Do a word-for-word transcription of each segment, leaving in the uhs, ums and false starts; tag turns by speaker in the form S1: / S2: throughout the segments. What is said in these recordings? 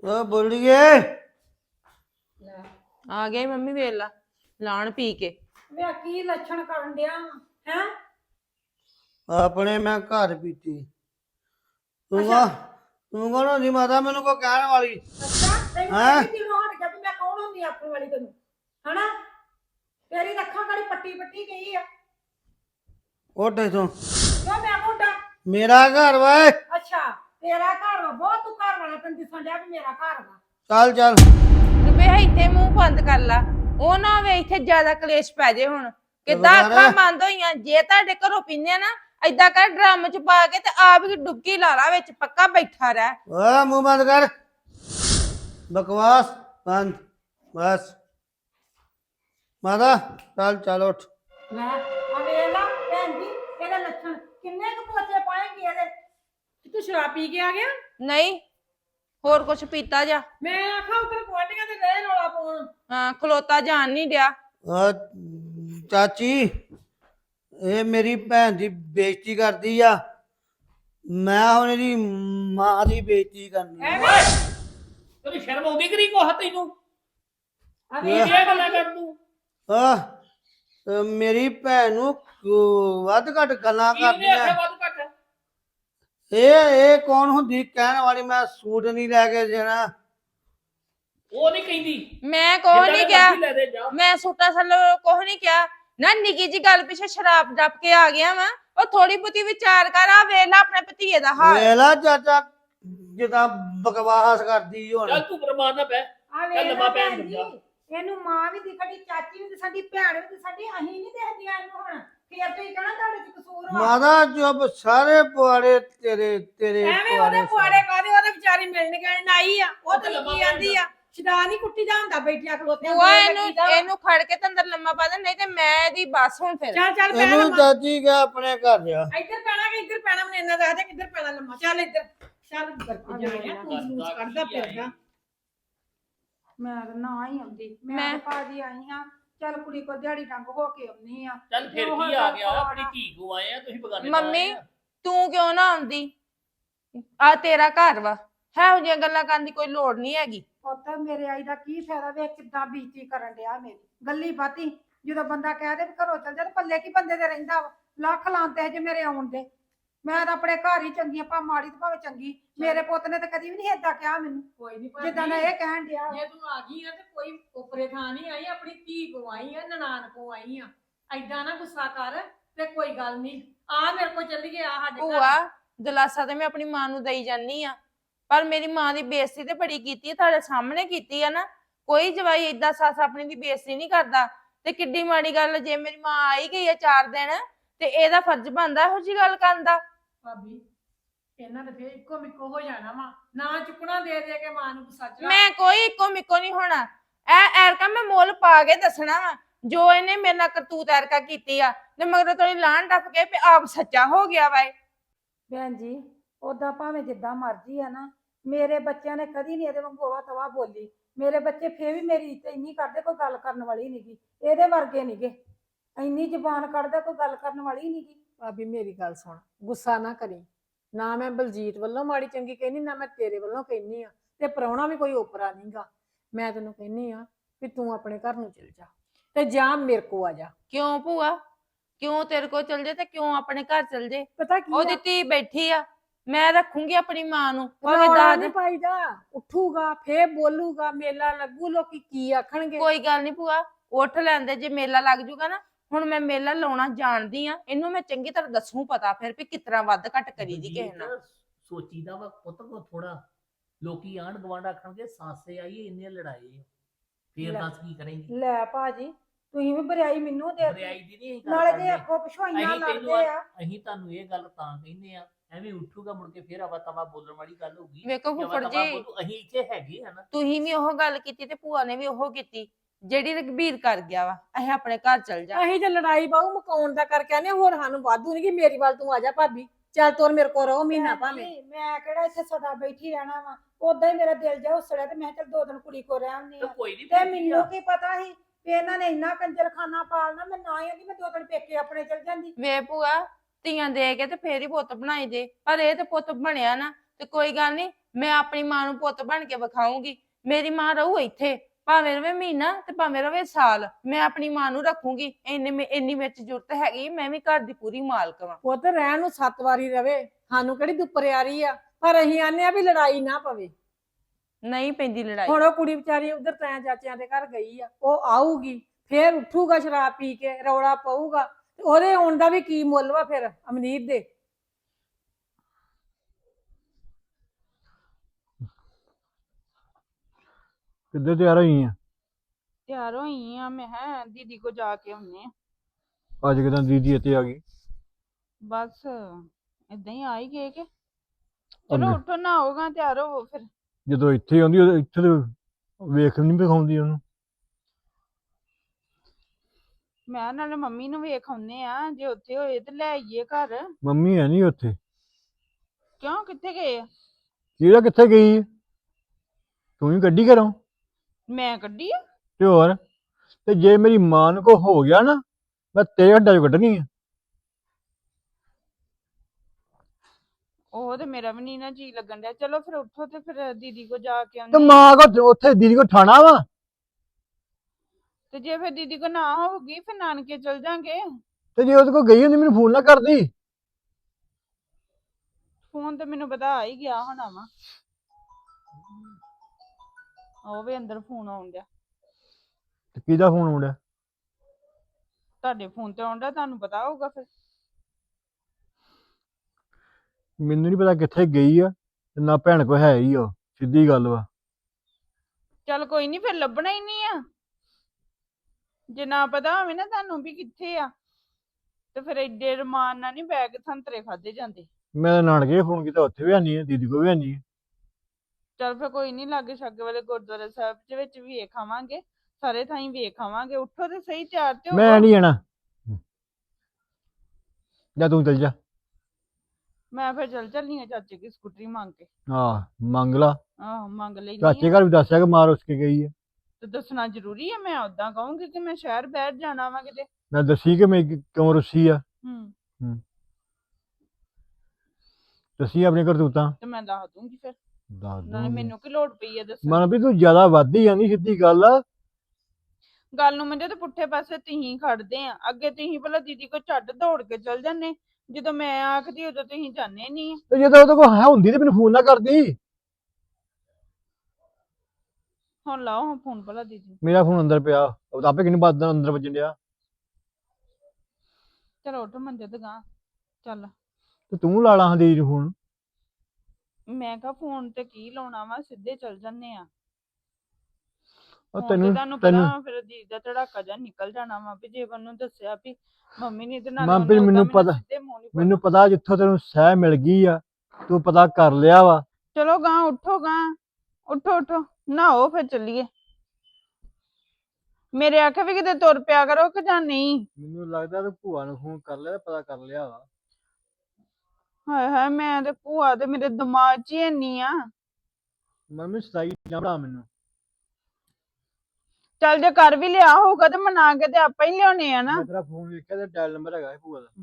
S1: ਉਹ ਬੋਲੀਏ
S2: ਆ ਗਿਆ ਮੰਮੀ ਵੇਖ ਲਾ ਲਾਣ ਪੀ ਕੇ।
S3: ਵੇ ਕੀ ਲੱਛਣ ਕਰਨ ਡਿਆ ਹੈ?
S1: ਆਪਣੇ ਮੈਂ ਘਰ ਪੀਤੀ ਤੂੰ ਕਾ ਤੂੰ ਕੌਣ ਹੁੰਦੀ ਮਾਤਾ ਮੈਨੂੰ ਕੋ ਕਹਿਣ ਵਾਲੀ?
S3: ਅੱਛਾ ਤੈਨੂੰ
S1: ਹੈਂ?
S3: ਕਿਹੜੀ ਦਿਲੋਂ ਹਟ ਗਿਆ ਵੀ ਮੈਂ ਕੌਣ ਹੁੰਦੀ ਆਪਣੀ ਵਾਲੀ ਤੈਨੂੰ? ਹਨਾ ਤੇਰੀ ਅੱਖਾਂ ਗਾੜੀ ਪੱਟੀ ਪੱਟੀ ਗਈ ਆ।
S1: ਉੱਠ ਇਥੋਂ
S3: ਕਿਉਂ ਮੈਂ ਕੋਟਾ?
S1: ਮੇਰਾ ਘਰ ਵਾ ਏ।
S3: ਅੱਛਾ ਤੇਰਾ ਘਰ ਵਾ, ਬਹੁਤ ਤੂੰ ਘਰ ਵਾਲਾ ਤੈਨੂੰ ਦਿਸਣ ਡਿਆ ਵੀ ਮੇਰਾ ਘਰ ਵਾ।
S1: ਚੱਲ ਚੱਲ
S2: ਵੇ ਇੱਥੇ ਮੂੰਹ ਬੰਦ ਕਰ ਲਾ, ਉਹ ਨਾ ਵੇ ਇੱਥੇ ਜ਼ਿਆਦਾ ਕਲੇਸ਼ ਪੈ ਜੇ। ਹੁਣ ਕਿੱਦਾਂ
S1: ਚਲੋ ਕਰ।
S2: ਅੱਖਾਂ ਬੰਦ ਹੋਈਆਂ? ਜੇ ਤੁਹਾਡੇ ਘਰੋਂ ਪੀਨੇ ਨਾ ਏਦਾਂ ਕਰ ਡਰਮ ਚ ਪਾ ਕੇ ਤੇ ਆਪ ਹੀ ਡੁਬਕੀ ਲਾ ਲਾ ਵਿੱਚ, ਪੱਕਾ ਬੈਠਾ ਰਹਿ।
S1: ਓਏ ਮੂੰਹ ਬੰਦ ਕਰ, ਬਕਵਾਸ ਬੰਦ ਬਸ। ਮਾਤਾ ਚੱਲ ਚੱਲ ਉੱਠ।
S3: ਲੈ ਆ ਵੇਖ ਲਾ ਭੈਣ ਜੀ, ਇਹਦੇ ਲੱਛਣ ਕਿੰਨੇ ਕੁ ਪੋਚੇ ਪਾਏਗੀ ਇਹਦੇ? ਤੂੰ ਸ਼ਰਾਬ ਪੀ ਕੇ ਆ ਗਿਆ?
S2: ਨਹੀਂ ਹੋਰ ਕੁਛ ਪੀਤਾ ਜਾ।
S3: ਮੈਂ ਆਖਾਂ ਉਧਰ ਕੁਆਟੀਆਂ ਤੇ ਗਏ ਰੌਲਾ ਪਾਉਣ।
S2: ਹਾਂ ਖਲੋਤਾ ਜਾਣ ਨਹੀਂ ਡਿਆ।
S1: ਆ ਚਾਚੀ ਇਹ ਮੇਰੀ ਭੈਣ ਦੀ ਬੇਇੱਜ਼ਤੀ ਕਰਦੀ ਆ, ਮੈਂ ਹੁਣ ਇਹਦੀ ਮਾਂ ਦੀ ਬੇਇੱਜ਼ਤੀ ਕਰਨੀ ਆ।
S3: ਐਵੇਂ
S4: ਤੈਨੂੰ ਸ਼ਰਮ ਆਉਂਦੀ ਕਿ ਨਹੀਂ ਕੋਹ ਤੈਨੂੰ?
S3: ਆ
S4: ਕੀ
S3: ਵੇਖ
S4: ਇਹ ਗੱਲਾਂ ਕਰ ਤੂੰ?
S1: ਆ ਮੇਰੀ ਭੈਣ ਨੂੰ ਕਿਉਂ ਵੱਧ ਘੱਟ ਗੱਲਾਂ
S4: ਕੀ ਨੇ
S1: ਕਰਦੀਆਂ?
S4: ਆਖਿਆ ਵੱਧ ਘੱਟ?
S1: ਇਹ ਇਹ ਕੌਣ ਹੁੰਦੀ ਕਹਿਣ ਵਾਲੀ? ਮੈਂ ਸੂਟ ਨਹੀਂ ਲੈ ਕੇ ਦੇਣਾ।
S4: ਉਹ ਨਹੀਂ ਕਹਿੰਦੀ।
S2: ਮੈਂ ਕੁਛ
S4: ਜਿੱਦਾਂ
S2: ਨਹੀਂ
S4: ਦਾ
S2: ਕਿਹਾ,
S4: ਮਰਜ਼ੀ ਲੈ ਦੇ ਜਾ।
S2: ਮੈਂ ਸੂਟਾ ਥੱਲੇ ਕੁਛ ਨਹੀਂ ਕਿਹਾ ਨਾ। ਨਿੱਕੀ ਜੀ ਗੱਲ ਪਿੱਛੇ ਸ਼ਰਾਬ ਡੱਪ ਕੇ ਆ ਗਿਆ ਵਾ। ਉਹ ਥੋੜੀ ਬਹੁਤੀ ਵਿਚਾਰ ਕਰ, ਆ ਵੇਖ ਲੈ ਆਪਣੇ ਭਤੀਏ ਦਾ ਹਾਲ।
S1: ਵੇਲਾ ਚਾਚਾ ਜਿੱਦਾਂ ਬਕਵਾਸ ਕਰਦੀ ਹੁਣ।
S4: ਚੱਲ ਤੂੰ ਪ੍ਰਮਾਨ ਨਾ ਪੈ।
S3: ਆ
S4: ਚੱਲ
S3: ਵੇਖ
S4: ਲੰਮਾ
S3: ਲਾ
S4: ਪੈਣ
S3: ਭੈਣ
S4: ਨੂੰ
S3: ਜੀ,
S4: ਜਾ।
S3: ਇਹਨੂੰ ਮਾਂ ਵੀ ਦਿਖੜੀ, ਚਾਚੀ ਵੀ ਤੇ ਸਾਡੀ ਭੈਣ ਵੀ ਤੇ ਸਾਡੀ, ਅਸੀਂ ਨਹੀਂ ਦੇਖਦੀਆਂ ਇਹਨੂੰ ਹੁਣ। ਫੇਰ ਤੁਸੀਂ ਕਹਿਣਾ ਤੁਹਾਡੇ ਚ ਕਸੂਰ ਵਾ।
S1: ਮਾਦਾ ਚੁੱਪ, ਸਾਰੇ ਪੁਆੜੇ ਤੇਰੇ ਤੇਰੇ
S3: ਐਵੇਂ ਉਹਦੇ ਪੁਆੜੇ ਕਾਦੇ? ਉਹਦੇ ਵਿਚਾਰੀ ਮਿਲਣ ਗਣ ਆਈ ਆ, ਉਹ ਤਾਂ ਲੱਗੀ ਜਾਂਦੀ ਆ। ਸ਼ਦਾ ਨਹੀਂ ਕੁੱਟੀ ਦਾ ਹੁੰਦਾ ਬੈਠਿਆ ਖਲੋਤਿਆਂ।
S2: ਉਹ ਇਹਨੂੰ ਇਹਨੂੰ ਖੜ ਕੇ ਤੇ ਅੰਦਰ ਲੰਮਾ ਪਾ ਦੇ, ਨਹੀਂ ਤੇ ਮੈਂ ਇਹਦੀ ਬਸ ਹੁਣ ਫਿਰ।
S3: ਚੱਲ ਚੱਲ ਪੈਣਾ
S1: ਇਹਨੂੰ ਚਾਚੀ ਗਿਆ ਆਪਣੇ ਘਰ ਜਾ।
S3: ਇੱਧਰ ਪੈਣਾ ਕਿ ਇੱਧਰ ਪੈਣਾ? ਮੈਨੂੰ ਇਹਨਾਂ ਦੱਸਦੇ ਕਿੱਧਰ ਪੈਣਾ ਲੰਮਾ। ਚੱਲ ਇੱਧਰ ਚੱਲ ਵਰਤੀ ਜਾਣਿਆ ਤੂੰ ਜੂਸ ਕੱਢਦਾ ਫਿਰਦਾ। ਮੈਂ ਤਾਂ ਨਾ ਹੀ ਆਉਂਦੀ, ਮੈਂ
S2: ਮੈਂ-
S3: ਤਾਂ ਭਾਜੀ ਆਈ ਹਾਂ। ਚੱਲ ਕੁੜੀ ਕੋ ਦਿਹਾੜੀ ਡੰਗ ਹੋ ਕੇ ਆਉਣੀ ਆ।
S4: ਚੱਲ ਫਿਰ
S3: ਜੋ
S4: ਕੀ ਆ ਗਿਆ?
S3: ਹੋਇਆ
S4: ਆਪਣੀ ਧੀ ਕੋ ਆਏ ਆ, ਤੁਸੀਂ ਬਗਾਨੇ ਘਰ
S2: ਮੰਮੀ
S4: ਆਏ ਆ।
S2: ਤੂੰ ਕਿਉਂ ਨਾ ਆਉਂਦੀ? ਆ ਤੇਰਾ ਘਰ ਵਾ, ਇਹੋ ਜਿਹੀਆਂ ਗੱਲਾਂ ਕਰਨ ਦੀ ਕੋਈ ਲੋੜ ਨਹੀਂ ਹੈਗੀ।
S3: ਪੁੱਤ ਮੇਰੇ ਆਈ ਦਾ ਕੀ ਫਾਇਦਾ? ਵੇ ਕਿੱਦਾਂ ਬੀਤੀ ਕਰਨ ਡਿਆ ਮੇਰੀ ਗੱਲੀ ਬਾਤੀ। ਜਦੋਂ ਬੰਦਾ ਕਹਿ ਦੇ ਵੀ ਘਰੋਂ ਚੱਲ ਜਾ, ਤੇ ਪੱਲੇ ਕੀ ਬੰਦੇ ਦੇ ਰਹਿੰਦਾ ਵਾ? ਲੱਖ ਲਾਂਤੇ ਜੇ ਮੇਰੇ ਆਉਣ ਦੇ। ਮੈਂ ਤਾਂ ਆਪਣੇ ਘਰ ਹੀ ਚੰਗੀ ਆ, ਭਾਵੇਂ ਮਾੜੀ ਤੇ ਭਾਵੇਂ ਚੰਗੀ। ਮੇਰੇ ਪੁੱਤ ਨੇ ਤਾਂ ਕਦੀ ਵੀ ਨਹੀਂ ਏਦਾਂ ਕਿਹਾ ਮੈਨੂੰ,
S5: ਕੋਈ ਨਹੀਂ
S3: ਜਿੱਦਾਂ ਦਾ ਇਹ ਕਹਿਣ ਡਿਆ ਵਾ।
S5: ਜੇ ਤੂੰ ਆ ਗਈ ਆ ਤੇ ਕੋਈ ਉਪਰੇ ਥਾਂ ਨਹੀਂ ਆਈ, ਆਪਣੀ ਧੀ ਕੋ ਆਈ ਆ, ਨਨਾਣ ਕੋ ਆਈ ਆ। ਐਦਾਂ ਨਾ ਗੁੱਸਾ ਕਰ ਤੇ ਕੋਈ ਗੱਲ ਨਹੀਂ। ਆ ਮੇਰੇ ਕੋ ਚੱਲ ਗਿਆ ਸਾਡੇ ਘਰ।
S2: ਭੂਆ ਦਲਾਸਾ ਤੇ ਮੈਂ ਆਪਣੀ ਮਾਂ ਨੂੰ ਦੇਈ ਜਾਨੀ ਆ, ਪਰ ਮੇਰੀ ਮਾਂ ਦੀ ਬੇਇੱਜ਼ਤੀ ਤੇ ਬੜੀ ਕੀਤੀ ਹੈ, ਤੁਹਾਡੇ ਸਾਹਮਣੇ ਕੀਤੀ ਆ ਨਾ। ਕੋਈ ਜਵਾਈ ਏਦਾਂ ਸੱਸ ਆਪਣੀ ਦੀ ਬੇਇੱਜ਼ਤੀ ਨਹੀਂ ਕਰਦਾ। ਤੇ ਕਿੱਡੀ ਮਾੜੀ ਗੱਲ, ਜੇ ਮੇਰੀ ਮਾਂ ਆਈ ਗਈ ਆ ਚਾਰ ਦਿਨ ਤੇ ਇਹਦਾ ਫਰਜ਼ ਬਣਦਾ ਇਹੋ ਜਿਹੀ ਗੱਲ ਕਰਨ ਦਾ।
S5: ਭਾਬੀ ਇਹਨਾਂ ਦੇ ਫੇਰ ਇੱਕੋ ਮਿੱਕੋ ਹੋ ਜਾਣਾ ਵਾ, ਨਾ ਚੁੱਕਣਾ ਦੇ ਦੇ ਕੇ ਮਾਂ ਨੂੰ ਗੁੱਸਾ ਚੜਾ।
S2: ਮੈਂ ਕੋਈ ਇੱਕੋ ਮਿੱਕੋ ਨਹੀਂ ਹੋਣਾ। ਐ ਐਰਕਾ ਮੈਂ ਮੁੱਲ ਪਾ ਕੇ ਦੱਸਣਾ ਵਾ ਜੋ ਇਹਨੇ ਮੇਰੇ ਨਾਲ ਕਰਤੂਤ ਐਰਕਾ ਕੀਤੀ ਆ, ਤੇ ਮਗਰ ਤੋਂ ਲਾਣ ਡੱਪ ਕੇ ਵੀ ਆਪ ਸੱਚਾ ਹੋ ਗਿਆ ਵਾ।
S3: ਭੈਣ ਜੀ ਓਦਾਂ ਭਾਵੇਂ ਜਿੱਦਾਂ ਮਰਜ਼ੀ ਆ ਨਾ, ਮੇਰੇ ਬੱਚਿਆਂ ਨੇ ਕਦੀ ਨਹੀਂ ਇਹਦੇ ਵਾਂਗੂ ਤਵਾ ਬੋਲੀ। ਮੇਰੇ ਬੱਚੇ ਫੇਰ ਵੀ ਮੇਰੀ ਇੱਜ਼ਤ ਇੰਨੀ ਕਰਦੇ, ਕੋਈ ਗੱਲ ਕਰਨ ਵਾਲੀ ਨਹੀਂਗੀ। ਇਹਦੇ ਵਰਗੇ ਨਹੀਂਗੇ, ਇੰਨੀ ਜ਼ੁਬਾਨ ਕੱਢਦਾ, ਕੋਈ ਗੱਲ ਕਰਨ ਵਾਲੀ ਨਹੀਂਗੀ।
S5: ਭਾਬੀ ਮੇਰੀ ਗੱਲ ਸੁਣ, ਗੁੱਸਾ ਨਾ ਕਰੀ। ਨਾ ਮੈਂ ਬਲਜੀਤ ਵੱਲੋਂ ਮਾੜੀ ਚੰਗੀ ਕਹਿੰਦੀ, ਨਾ ਮੈਂ ਤੇਰੇ ਵੱਲੋਂ ਕਹਿੰਦੀ ਆ। ਤੇ ਪ੍ਰਾਹੁਣਾ ਵੀ ਕੋਈ ਓਪਰਾ ਨਹੀਂਗਾ। ਮੈਂ ਤੈਨੂੰ ਕਹਿੰਦੀ ਆ ਵੀ ਤੂੰ ਆਪਣੇ ਘਰ ਨੂੰ ਚਲ ਜਾ ਤੇ ਜਾਂ ਮੇਰੇ ਕੋ ਆ ਜਾ।
S2: ਕਿਉਂ ਭੂਆ? ਕਿਉਂ ਤੇਰੇ ਕੋਲ ਚਲ ਜੇ ਤੇ ਕਿਉਂ ਆਪਣੇ ਘਰ ਚਲ ਜੇ?
S5: ਪਤਾ ਕੀ
S2: ਉਹਦੀ ਧੀ ਬੈਠੀ ਆ, ਮੈਂ ਰੱਖੂੰਗੀ ਆਪਣੀ ਮਾਂ ਨੂੰ। ਭਾਵੇਂ
S5: ਰੌਲਾ
S2: ਦਾਦ
S5: ਨਹੀਂ ਪਾਈਦਾ, ਉੱਠੂਗਾ ਫੇਰ ਬੋਲੂਗਾ, ਮੇਲਾ ਲੱਗੂ, ਲੋਕੀ ਕੀ ਆਖਣਗੇ।
S2: ਕੋਈ ਗੱਲ ਨਹੀਂ ਭੂਆ, ਉੱਠ ਲੈਂਦੇ। ਜੇ ਮੇਲਾ ਲੱਗ ਜੂਗਾ ਨਾ, ਹੁਣ ਮੈਂ ਮੇਲਾ ਲਾਉਣਾ ਜਾਣਦੀ ਆ, ਇਹਨੂੰ ਮੈਂ ਚੰਗੀ ਤਰ੍ਹਾਂ ਦੱਸੂ ਪਤਾ ਫਿਰ ਵੀ ਕਿਤਨਾ ਵੱਧ ਘੱਟ ਕਰੀਦੀ ਕਿਸੇ ਨਾਲ।
S4: ਸੋਚੀਦਾ ਵਾ ਪੁੱਤ ਕੋ ਥੋੜਾ। ਲੋਕੀ ਆਂਢ ਗੁਆਂਢ ਆਖਣਗੇ ਸਾਸੇ ਆਈ ਇੰਨੇ ਲੜਾਏ ਆ। ਫੇਰ
S3: ਲੈ।
S4: ਦੱਸ ਕੀ ਕਰੇਂਗੀ?
S3: ਲੈ ਭਾਜੀ ਤੁਸੀਂ ਵੀ ਬਰਿਆਈ ਮੈਨੂੰ ਦੇ ਦਿੱਤੀ।
S4: ਬਰਿਆਈ ਦੀ ਨਹੀਂ
S3: ਨਾਲੇ ਜੇ ਅੱਖੋਂ ਪਿਛੋਂ ਇੰਨਾ
S4: ਅਸੀਂ ਤੈਨੂੰ
S3: ਲੜਦੇ ਆ।
S4: ਅਸੀਂ ਤੁਹਾਨੂੰ ਇਹ ਗੱਲ ਤਾਂ ਕਹਿੰਦੇ ਆ, ਐਵੇਂ ਉੱਠੂਗਾ ਮੁੜ ਕੇ ਫੇਰ ਆਵਾ ਤਵਾ ਬੋਲਣ ਵਾਲੀ ਗੱਲ ਹੋਊਗੀ।
S2: ਵੇਖੋ
S4: ਜੇ ਆਵਾ
S2: ਫੁੱਫੜ
S4: ਤਵਾ
S2: ਜੀ,
S4: ਬੋਲੂ, ਅਸੀਂ ਇੱਥੇ ਹੈਗੇ ਆ ਨਾ।
S2: ਤੁਸੀਂ ਵੀ ਉਹ ਗੱਲ ਕੀਤੀ ਤੇ ਭੂਆ ਨੇ ਵੀ ਉਹ ਕੀਤੀ ਜਿਹੜੀ ਰਘਬੀਰ ਕਰ ਗਿਆ ਵਾ। ਅਸੀਂ ਆਪਣੇ ਘਰ ਚਲ ਜਾ।
S5: ਅਸੀਂ ਤੇ ਲੜਾਈ ਬਾਹੂ ਮੁਕਾਉਣ ਦਾ ਕਰ ਕਹਿੰਦੇ, ਹੋਰ ਸਾਨੂੰ ਵਾਧੂ ਨਹੀਂ ਕਿ ਮੇਰੀ ਵੱਲ ਤੂੰ ਆ ਜਾ ਭਾਬੀ, ਚੱਲ ਤੋਰ ਮੇਰੇ ਕੋਲ ਰਹੋ ਮਹੀਨਾ ਭਾਵੇਂ।
S3: ਭੈਣ ਜੀ, ਮੈਂ ਕਿਹੜਾ ਇੱਥੇ ਸਦਾ ਬੈਠੀ ਰਹਿਣਾ ਵਾ? ਉਦਾਂ ਹੀ ਮੇਰਾ ਦਿਲ ਜਾ ਉਸੜਿਆ ਤੇ ਮੈਂ ਕਿਹਾ ਚੱਲ ਦੋ ਦਿਨ ਕੁੜੀ ਕੋ ਰਹਿ ਆਉਂਦੀ
S4: ਤੇ
S3: ਆ।
S4: ਕੋਈ ਨਹੀਂ
S3: ਤੇ ਮੈਨੂੰ ਕੀ ਪਤਾ ਸੀ ਵੀ ਇਹਨਾਂ ਨੇ ਇੰਨਾ ਕੰਜਰਖਾਨਾ ਪਾਲਣਾ। ਮੈਂ ਨਾ ਹੀ ਆਉਂਦੀ, ਮੈਂ ਦੋ ਦਿਨ ਪੇਕੇ ਆਪਣੇ ਚਲ ਜਾਂਦੀ।
S2: ਵੇ ਭੂਆ ਧੀਆਂ ਦੇ ਕੇ ਤੇ ਫੇਰ ਹੀ ਪੁੱਤ ਬਣਾਈ ਦੇ, ਪਰ ਇਹ ਤੇ ਪੁੱਤ ਬਣਿਆ ਨਾ ਤੇ ਕੋਈ ਗੱਲ ਨਹੀਂ, ਮੈਂ ਆਪਣੀ ਮਾਂ ਨੂੰ ਪੁੱਤ ਬਣ ਕੇ ਵਿਖਾਉਂਗੀ। ਮੇਰੀ ਮਾਂ ਰਹੂ ਇੱਥੇ, ਭਾਵੇਂ ਰਵੇ ਮਹੀਨਾ ਤੇ ਭਾਵੇਂ ਰਵੇ ਸਾਲ, ਮੈਂ ਆਪਣੀ ਮਾਂ ਨੂੰ ਰੱਖੂੰਗੀ। ਇੰਨੇ ਮੇ- ਇੰਨੀ ਵਿੱਚ ਜ਼ਰੂਰਤ ਹੈਗੀ, ਮੈਂ ਵੀ ਘਰ ਦੀ ਪੂਰੀ ਮਾਲਕ ਵਾਂ।
S5: ਪੁੱਤ ਰਹਿਣ ਨੂੰ ਸੱਤ ਵਾਰੀ ਰਵੇ, ਸਾਨੂੰ ਕਿਹੜੀ ਦੁੱਪਰ ਆ ਰਹੀ ਆ, ਪਰ ਅਸੀਂ ਆਨੇ ਆ ਵੀ ਲੜਾਈ ਨਾ ਪਵੇ।
S2: ਨਹੀਂ ਪੈਂਦੀ ਲੜਾਈ।
S5: ਹੁਣ ਉਹ ਕੁੜੀ ਵਿਚਾਰੀ ਉਧਰ ਤੈਂ ਚਾਚਿਆਂ ਦੇ ਘਰ ਗਈ ਆ, ਉਹ ਆਊਗੀ ਫੇਰ ਉੱਠੂਗਾ ਸ਼ਰਾਬ ਪੀ ਕੇ, ਰੌਲਾ ਪਊਗਾ, ਤੇ ਉਹਦੇ ਆਉਣ ਦਾ ਵੀ ਕੀ ਮੁੱਲ ਵਾ ਫਿਰ ਅਮਨੀਤ ਦੇ।
S6: ਕਿੱਧਰ ਤਿਆਰ ਹੋਈ ਆ?
S2: ਤਿਆਰ ਹੋਈ ਆ, ਮੈਂ ਹੈ ਦੀਦੀ ਕੋ ਜਾ ਕੇ ਆਉਨੇ ਆ।
S6: ਅੱਜ ਕਿਦਾਂ ਦੀਦੀ ਇੱਥੇ ਆ ਗਈ?
S2: ਬਸ ਏਦਾਂ ਹੀ ਆ ਹੀ ਗਏ ਕਿ ਚਲੋ
S6: ਅੱਗੇ-
S2: ਉੱਠੋ, ਨਾ ਹੋਗਾ ਤਿਆਰ ਹੋਵੋ ਫਿਰ।
S6: ਜਦੋਂ ਇੱਥੇ ਆਉਂਦੀ ਉਦੋਂ ਇੱਥੇ ਤੇ ਵੇਖ ਨਹੀਂ ਵਿਖਾਉਂਦੀ ਉਹਨੂੰ।
S2: ਮੈਂ ਨਾਲੇ ਮੰਮੀ ਨੂੰ ਵੇਖ ਆਉਨੇ ਆ, ਜੇ ਉੱਥੇ ਹੋਏ ਤੇ ਲੈ ਆਈਏ ਘਰ।
S6: ਮੰਮੀ ਹੈ ਨਹੀਂ ਉੱਥੇ।
S2: ਕਿਉਂ, ਕਿੱਥੇ ਗਏ ਆ?
S6: ਕਿਹੜਾ ਕਿੱਥੇ ਗਈ ਹੈ? ਤੂੰ ਹੀ ਕੱਢੀ ਘਰੋਂ।
S2: ਮੈਂ ਕੱਢੀ ਆ?
S6: ਤੇ ਹੋਰ, ਤੇ ਜੇ ਮੇਰੀ ਮਾਂ ਨੂੰ ਕੋ ਹੋ ਗਿਆ ਨਾ, ਮੈਂ ਤੇਰੇ ਹੱਡਾਂ 'ਚੋਂ ਕੱਢਣੀ ਆ।
S2: ਉਹ ਤੇ ਮੇਰਾ ਵੀ ਨਹੀਂ ਨਾ ਜੀ ਲੱਗਣ ਡਿਆ। ਚਲੋ ਫਿਰ ਉੱਠੋ ਤੇ ਫਿਰ ਦੀਦੀ ਕੋ ਜਾ ਕੇ
S6: ਤੇ
S2: ਆਉਂਦੇ ਆ।
S6: ਮਾਂ ਕੋ ਉੱਥੇ ਦੀਦੀ ਕੋ ਠਾਣਾ ਵਾ।
S2: ਤੇ ਜੇ ਫਿਰ ਦੀਦੀ ਕੋ ਨਾ ਹੋਊਗੀ ਫਿਰ ਨਾਨਕੇ ਚਲ ਜਾਾਂਗੇ।
S6: ਤੇ ਜੇ ਉਹਦੇ ਕੋ ਗਈ ਹੁੰਦੀ ਮੈਨੂੰ ਫੋਨ ਨਾ ਕਰਦੀ।
S2: ਫੋਨ ਤੇ ਮੈਨੂੰ ਪਤਾ ਆ ਹੀ ਗਿਆ ਹੋਣਾ ਵਾ। ਉਹ ਵੀ ਅੰਦਰ ਫੋਨ ਆਉਣ ਡਿਆ।
S6: ਤੇ ਕਿਹਦਾ ਫੋਨ ਆਉਂਦਾ?
S2: ਤੁਹਾਡੇ ਫੋਨ ਤੇ ਆਉਣ ਡਿਆ, ਤੁਹਾਨੂੰ ਪਤਾ ਹੋਊਗਾ ਫਿਰ।
S6: ਮੈਨੂੰ ਨਹੀਂ ਪਤਾ ਕਿੱਥੇ ਗਈ ਆ, ਤੇ ਨਾ ਭੈਣ ਕੋ ਹੈ ਹੀ ਉਹ, ਸਿੱਧੀ ਗੱਲ ਵਾ।
S2: ਚੱਲ ਕੋਈ ਨਹੀਂ, ਫਿਰ ਲੱਭਣਾ ਹੀ ਨਹੀਂ ਆ। ਜੇ ਨਾ ਪਤਾ ਹੋਵੇ ਨਾ ਤੁਹਾਨੂੰ ਵੀ ਕਿੱਥੇ ਆ, ਤੇ ਫਿਰ ਐਡੇ ਰਮਾਨ ਨਾਲ ਨਹੀਂ ਬੈਗ ਸੰਤਰੇ ਖਾਦੇ ਜਾਂਦੇ।
S6: ਮੈਂ ਤਾਂ ਨਾਨਕੇ ਫੋਨ ਕੀਤਾ, ਉੱਥੇ ਵੀ ਹੈਨੀ ਆ, ਦੀਦੀ ਕੋ ਵੀ ਹੈਨੀ ਆ।
S2: ਚੱਲ ਫਿਰ ਕੋਈ ਨਹੀਂ, ਲਾਗੇ ਛਾਗੇ ਵਾਲੇ ਗੁਰਦੁਆਰਾ ਸਾਹਿਬ ਦੇ ਵਿੱਚ ਵੀ ਵੇਖ ਆਵਾਂਗੇ, ਸਾਰੇ ਥਾਈਂ ਵੇਖ ਆਵਾਂਗੇ। ਉੱਠੋ ਤੇ ਸਹੀ, ਤਿਆਰ ਤੇ
S6: ਮੈਂ
S2: ਹੋਵੋ।
S6: ਨਹੀਂ ਜਾਣਾ। ਜਾਂ ਤੂੰ ਚੱਲ ਜਾ।
S2: ਮੈਂ ਫਿਰ ਚੱਲ ਚੱਲਨੀ ਆ ਚਾਚੇ ਦੀ ਸਕੂਟਰੀ ਮੰਗ ਕੇ।
S6: ਆਹ ਮੰਗ ਲਾ।
S2: ਆਹੋ ਮੰਗ ਲੈਣੀ
S6: ਚਾਚੇ
S2: ਆ।
S6: ਘਰ ਵੀ ਦੱਸਿਆ ਕਿ ਮਾਰ ਉਸ ਕੇ ਗਈ ਹੈ।
S2: ਤੇ ਦੱਸਣਾ ਜ਼ਰੂਰੀ ਆ? ਮੈਂ ਉਦਾਂ ਕਹੂੰਗੀ ਕਿ ਮੈਂ ਸ਼ਹਿਰ ਬੈਠ ਜਾਣਾ ਵਾ ਕਿਤੇ।
S6: ਮੈਂ ਦੱਸੀ ਕਿ ਮੈਂ ਕਿ- ਕਿਉਂ ਰੁੱਸੀ ਆ।
S2: ਹੂੰ
S6: ਦੱਸੀ ਆਪਣੇ ਕਰਤੂਤਾਂ।
S2: ਤੇ ਮੈਂ ਦੱਸ ਦੂੰਗੀ ਫਿਰ।
S6: ਦੱਸ
S2: ਨਾਲੇ
S6: ਦੂੰਗੀ।
S2: ਮੈਨੂੰ ਕੀ ਲੋੜ ਪਈ ਆ ਦੱਸਣ
S6: ਮਨ
S2: ਦੀ?
S6: ਵੀ ਤੂੰ ਜ਼ਿਆਦਾ ਵੱਧਦੀ ਜਾਂਦੀ, ਸਿੱਧੀ ਗੱਲ ਆ।
S2: ਗੱਲ ਨੂੰ ਮੰਜੇ ਤੇ ਪੁੱਠੇ ਪਾਸੇ ਤੁਸੀਂ ਖੜਦੇ ਆ। ਅੱਗੇ ਤੁਸੀਂ ਭਲਾ ਦੀਦੀ ਕੋ ਛੱਡ ਦੌੜ ਕੇ ਚਲ ਜਾਂਦੇ, ਜਦੋਂ ਮੈਂ ਆਖਦੀ ਉਦੋਂ ਤੁਸੀਂ ਜਾਂਦੇ ਨਹੀਂ।
S6: ਤੇ ਜਦੋਂ ਉਹਦੇ ਕੋਲ ਹੈ ਹੁੰਦੀ ਤੇ ਮੈਨੂੰ ਫੋਨ ਨਾ ਕਰਦੀ।
S2: ਹੁਣ ਲਾਓ ਹਾਂ ਫੋਨ ਭਲਾ ਦੀਦੀ ਨੂੰ।
S6: ਮੇਰਾ ਫੋਨ ਅੰਦਰ ਪਿਆ, ਉਹ ਆਪੇ ਕਿੰਨੀ ਬਾਤ ਅੰਦਰ ਵੱਜਣ ਡਿਆ।
S2: ਚਲੋ ਉੱਠ ਮੰਜੇ ਤੇ ਗਾਂ ਚੱਲ।
S6: ਤੇ ਤੂੰ ਲਾ ਲਾ ਹਾਂ ਦੀਦੀ ਨੂੰ ਫੋਨ।
S2: ਮੈਂ ਕਿਹਾ ਫੋਨ ਤੇ ਕੀ ਲਾਉਣਾ ਵਾ, ਸਿੱਧੇ ਚਲ ਜਾਂਦੇ ਆ।
S6: ਉਹ
S2: ਹੁਣ ਤੇ
S6: ਤੈਨੂੰ
S2: ਤੁਹਾਨੂੰ
S6: ਤੈਨੂੰ
S2: ਪਤਾ ਫਿਰ ਦੀਦੀ ਦਾ ਧੜਾਕਾ ਜਿਹਾ ਨਿਕਲ ਜਾਣਾ ਵਾ ਵੀ ਜੇ ਉਹਨੂੰ ਦੱਸਿਆ ਵੀ ਮੰਮੀ ਨੇ ਤੇ ਨਾਲ
S6: ਮਾਂ
S2: ਉਹਨੇ
S6: ਵੀ
S2: ਉਦਾਂ
S6: ਮੈਨੂੰ
S2: ਮੈਨੂੰ
S6: ਪਤਾ-
S2: ਸਿੱਧੇ ਮੂੰਹ ਨੀ
S6: ਮੈਨੂੰ
S2: ਬੋਲਣਾ।
S6: ਪਤਾ ਜਿੱਥੋਂ ਤੈਨੂੰ ਸਹਿ ਮਿਲ ਗਈ ਆ, ਤੂੰ ਪਤਾ ਕਰ ਲਿਆ ਵਾ।
S2: ਚਲੋ ਗਾਂ ਉੱਠੋ, ਗਾਂ ਉੱਠੋ ਉੱਠੋ, ਨਹਾਓ ਫਿਰ ਚੱਲੀਏ। ਮੇਰੇ ਆਖੇ ਵੀ ਕਿਤੇ ਤੁਰ ਪਿਆ ਕਰੋ ਕਿ ਜਾਂ ਨਹੀਂ।
S6: ਮੈਨੂੰ ਲੱਗਦਾ ਤੂੰ ਭੂਆ ਨੂੰ ਫੋਨ ਕਰ ਲਿਆ, ਪਤਾ ਕਰ ਲਿਆ ਵਾ।
S2: ਹਾਏ ਹਾਏ, ਮੈਂ ਤੇ ਭੂਆ ਤੇ ਮੇਰੇ ਦਿਮਾਗ 'ਚ ਹੀ ਨਹੀਂ ਆ।
S6: ਮੰਮੀ ਸਤਾਈ ਨਾ ਬਣਾ ਮੈਨੂੰ।
S2: ਚੱਲ ਜੇ ਕਰ ਵੀ ਲਿਆ ਹੋਊਗਾ ਤੇ ਮਨਾ ਕੇ ਤੇ ਆਪਾਂ ਹੀ ਲਿਆਉਣੇ ਆ ਨਾ।
S6: ਮੈਂ ਤੇਰਾ ਫੋਨ ਵੇਖਿਆ ਤੇ ਡਾਇਲ ਨੰਬਰ ਹੈਗਾ ਭੂਆ ਦਾ।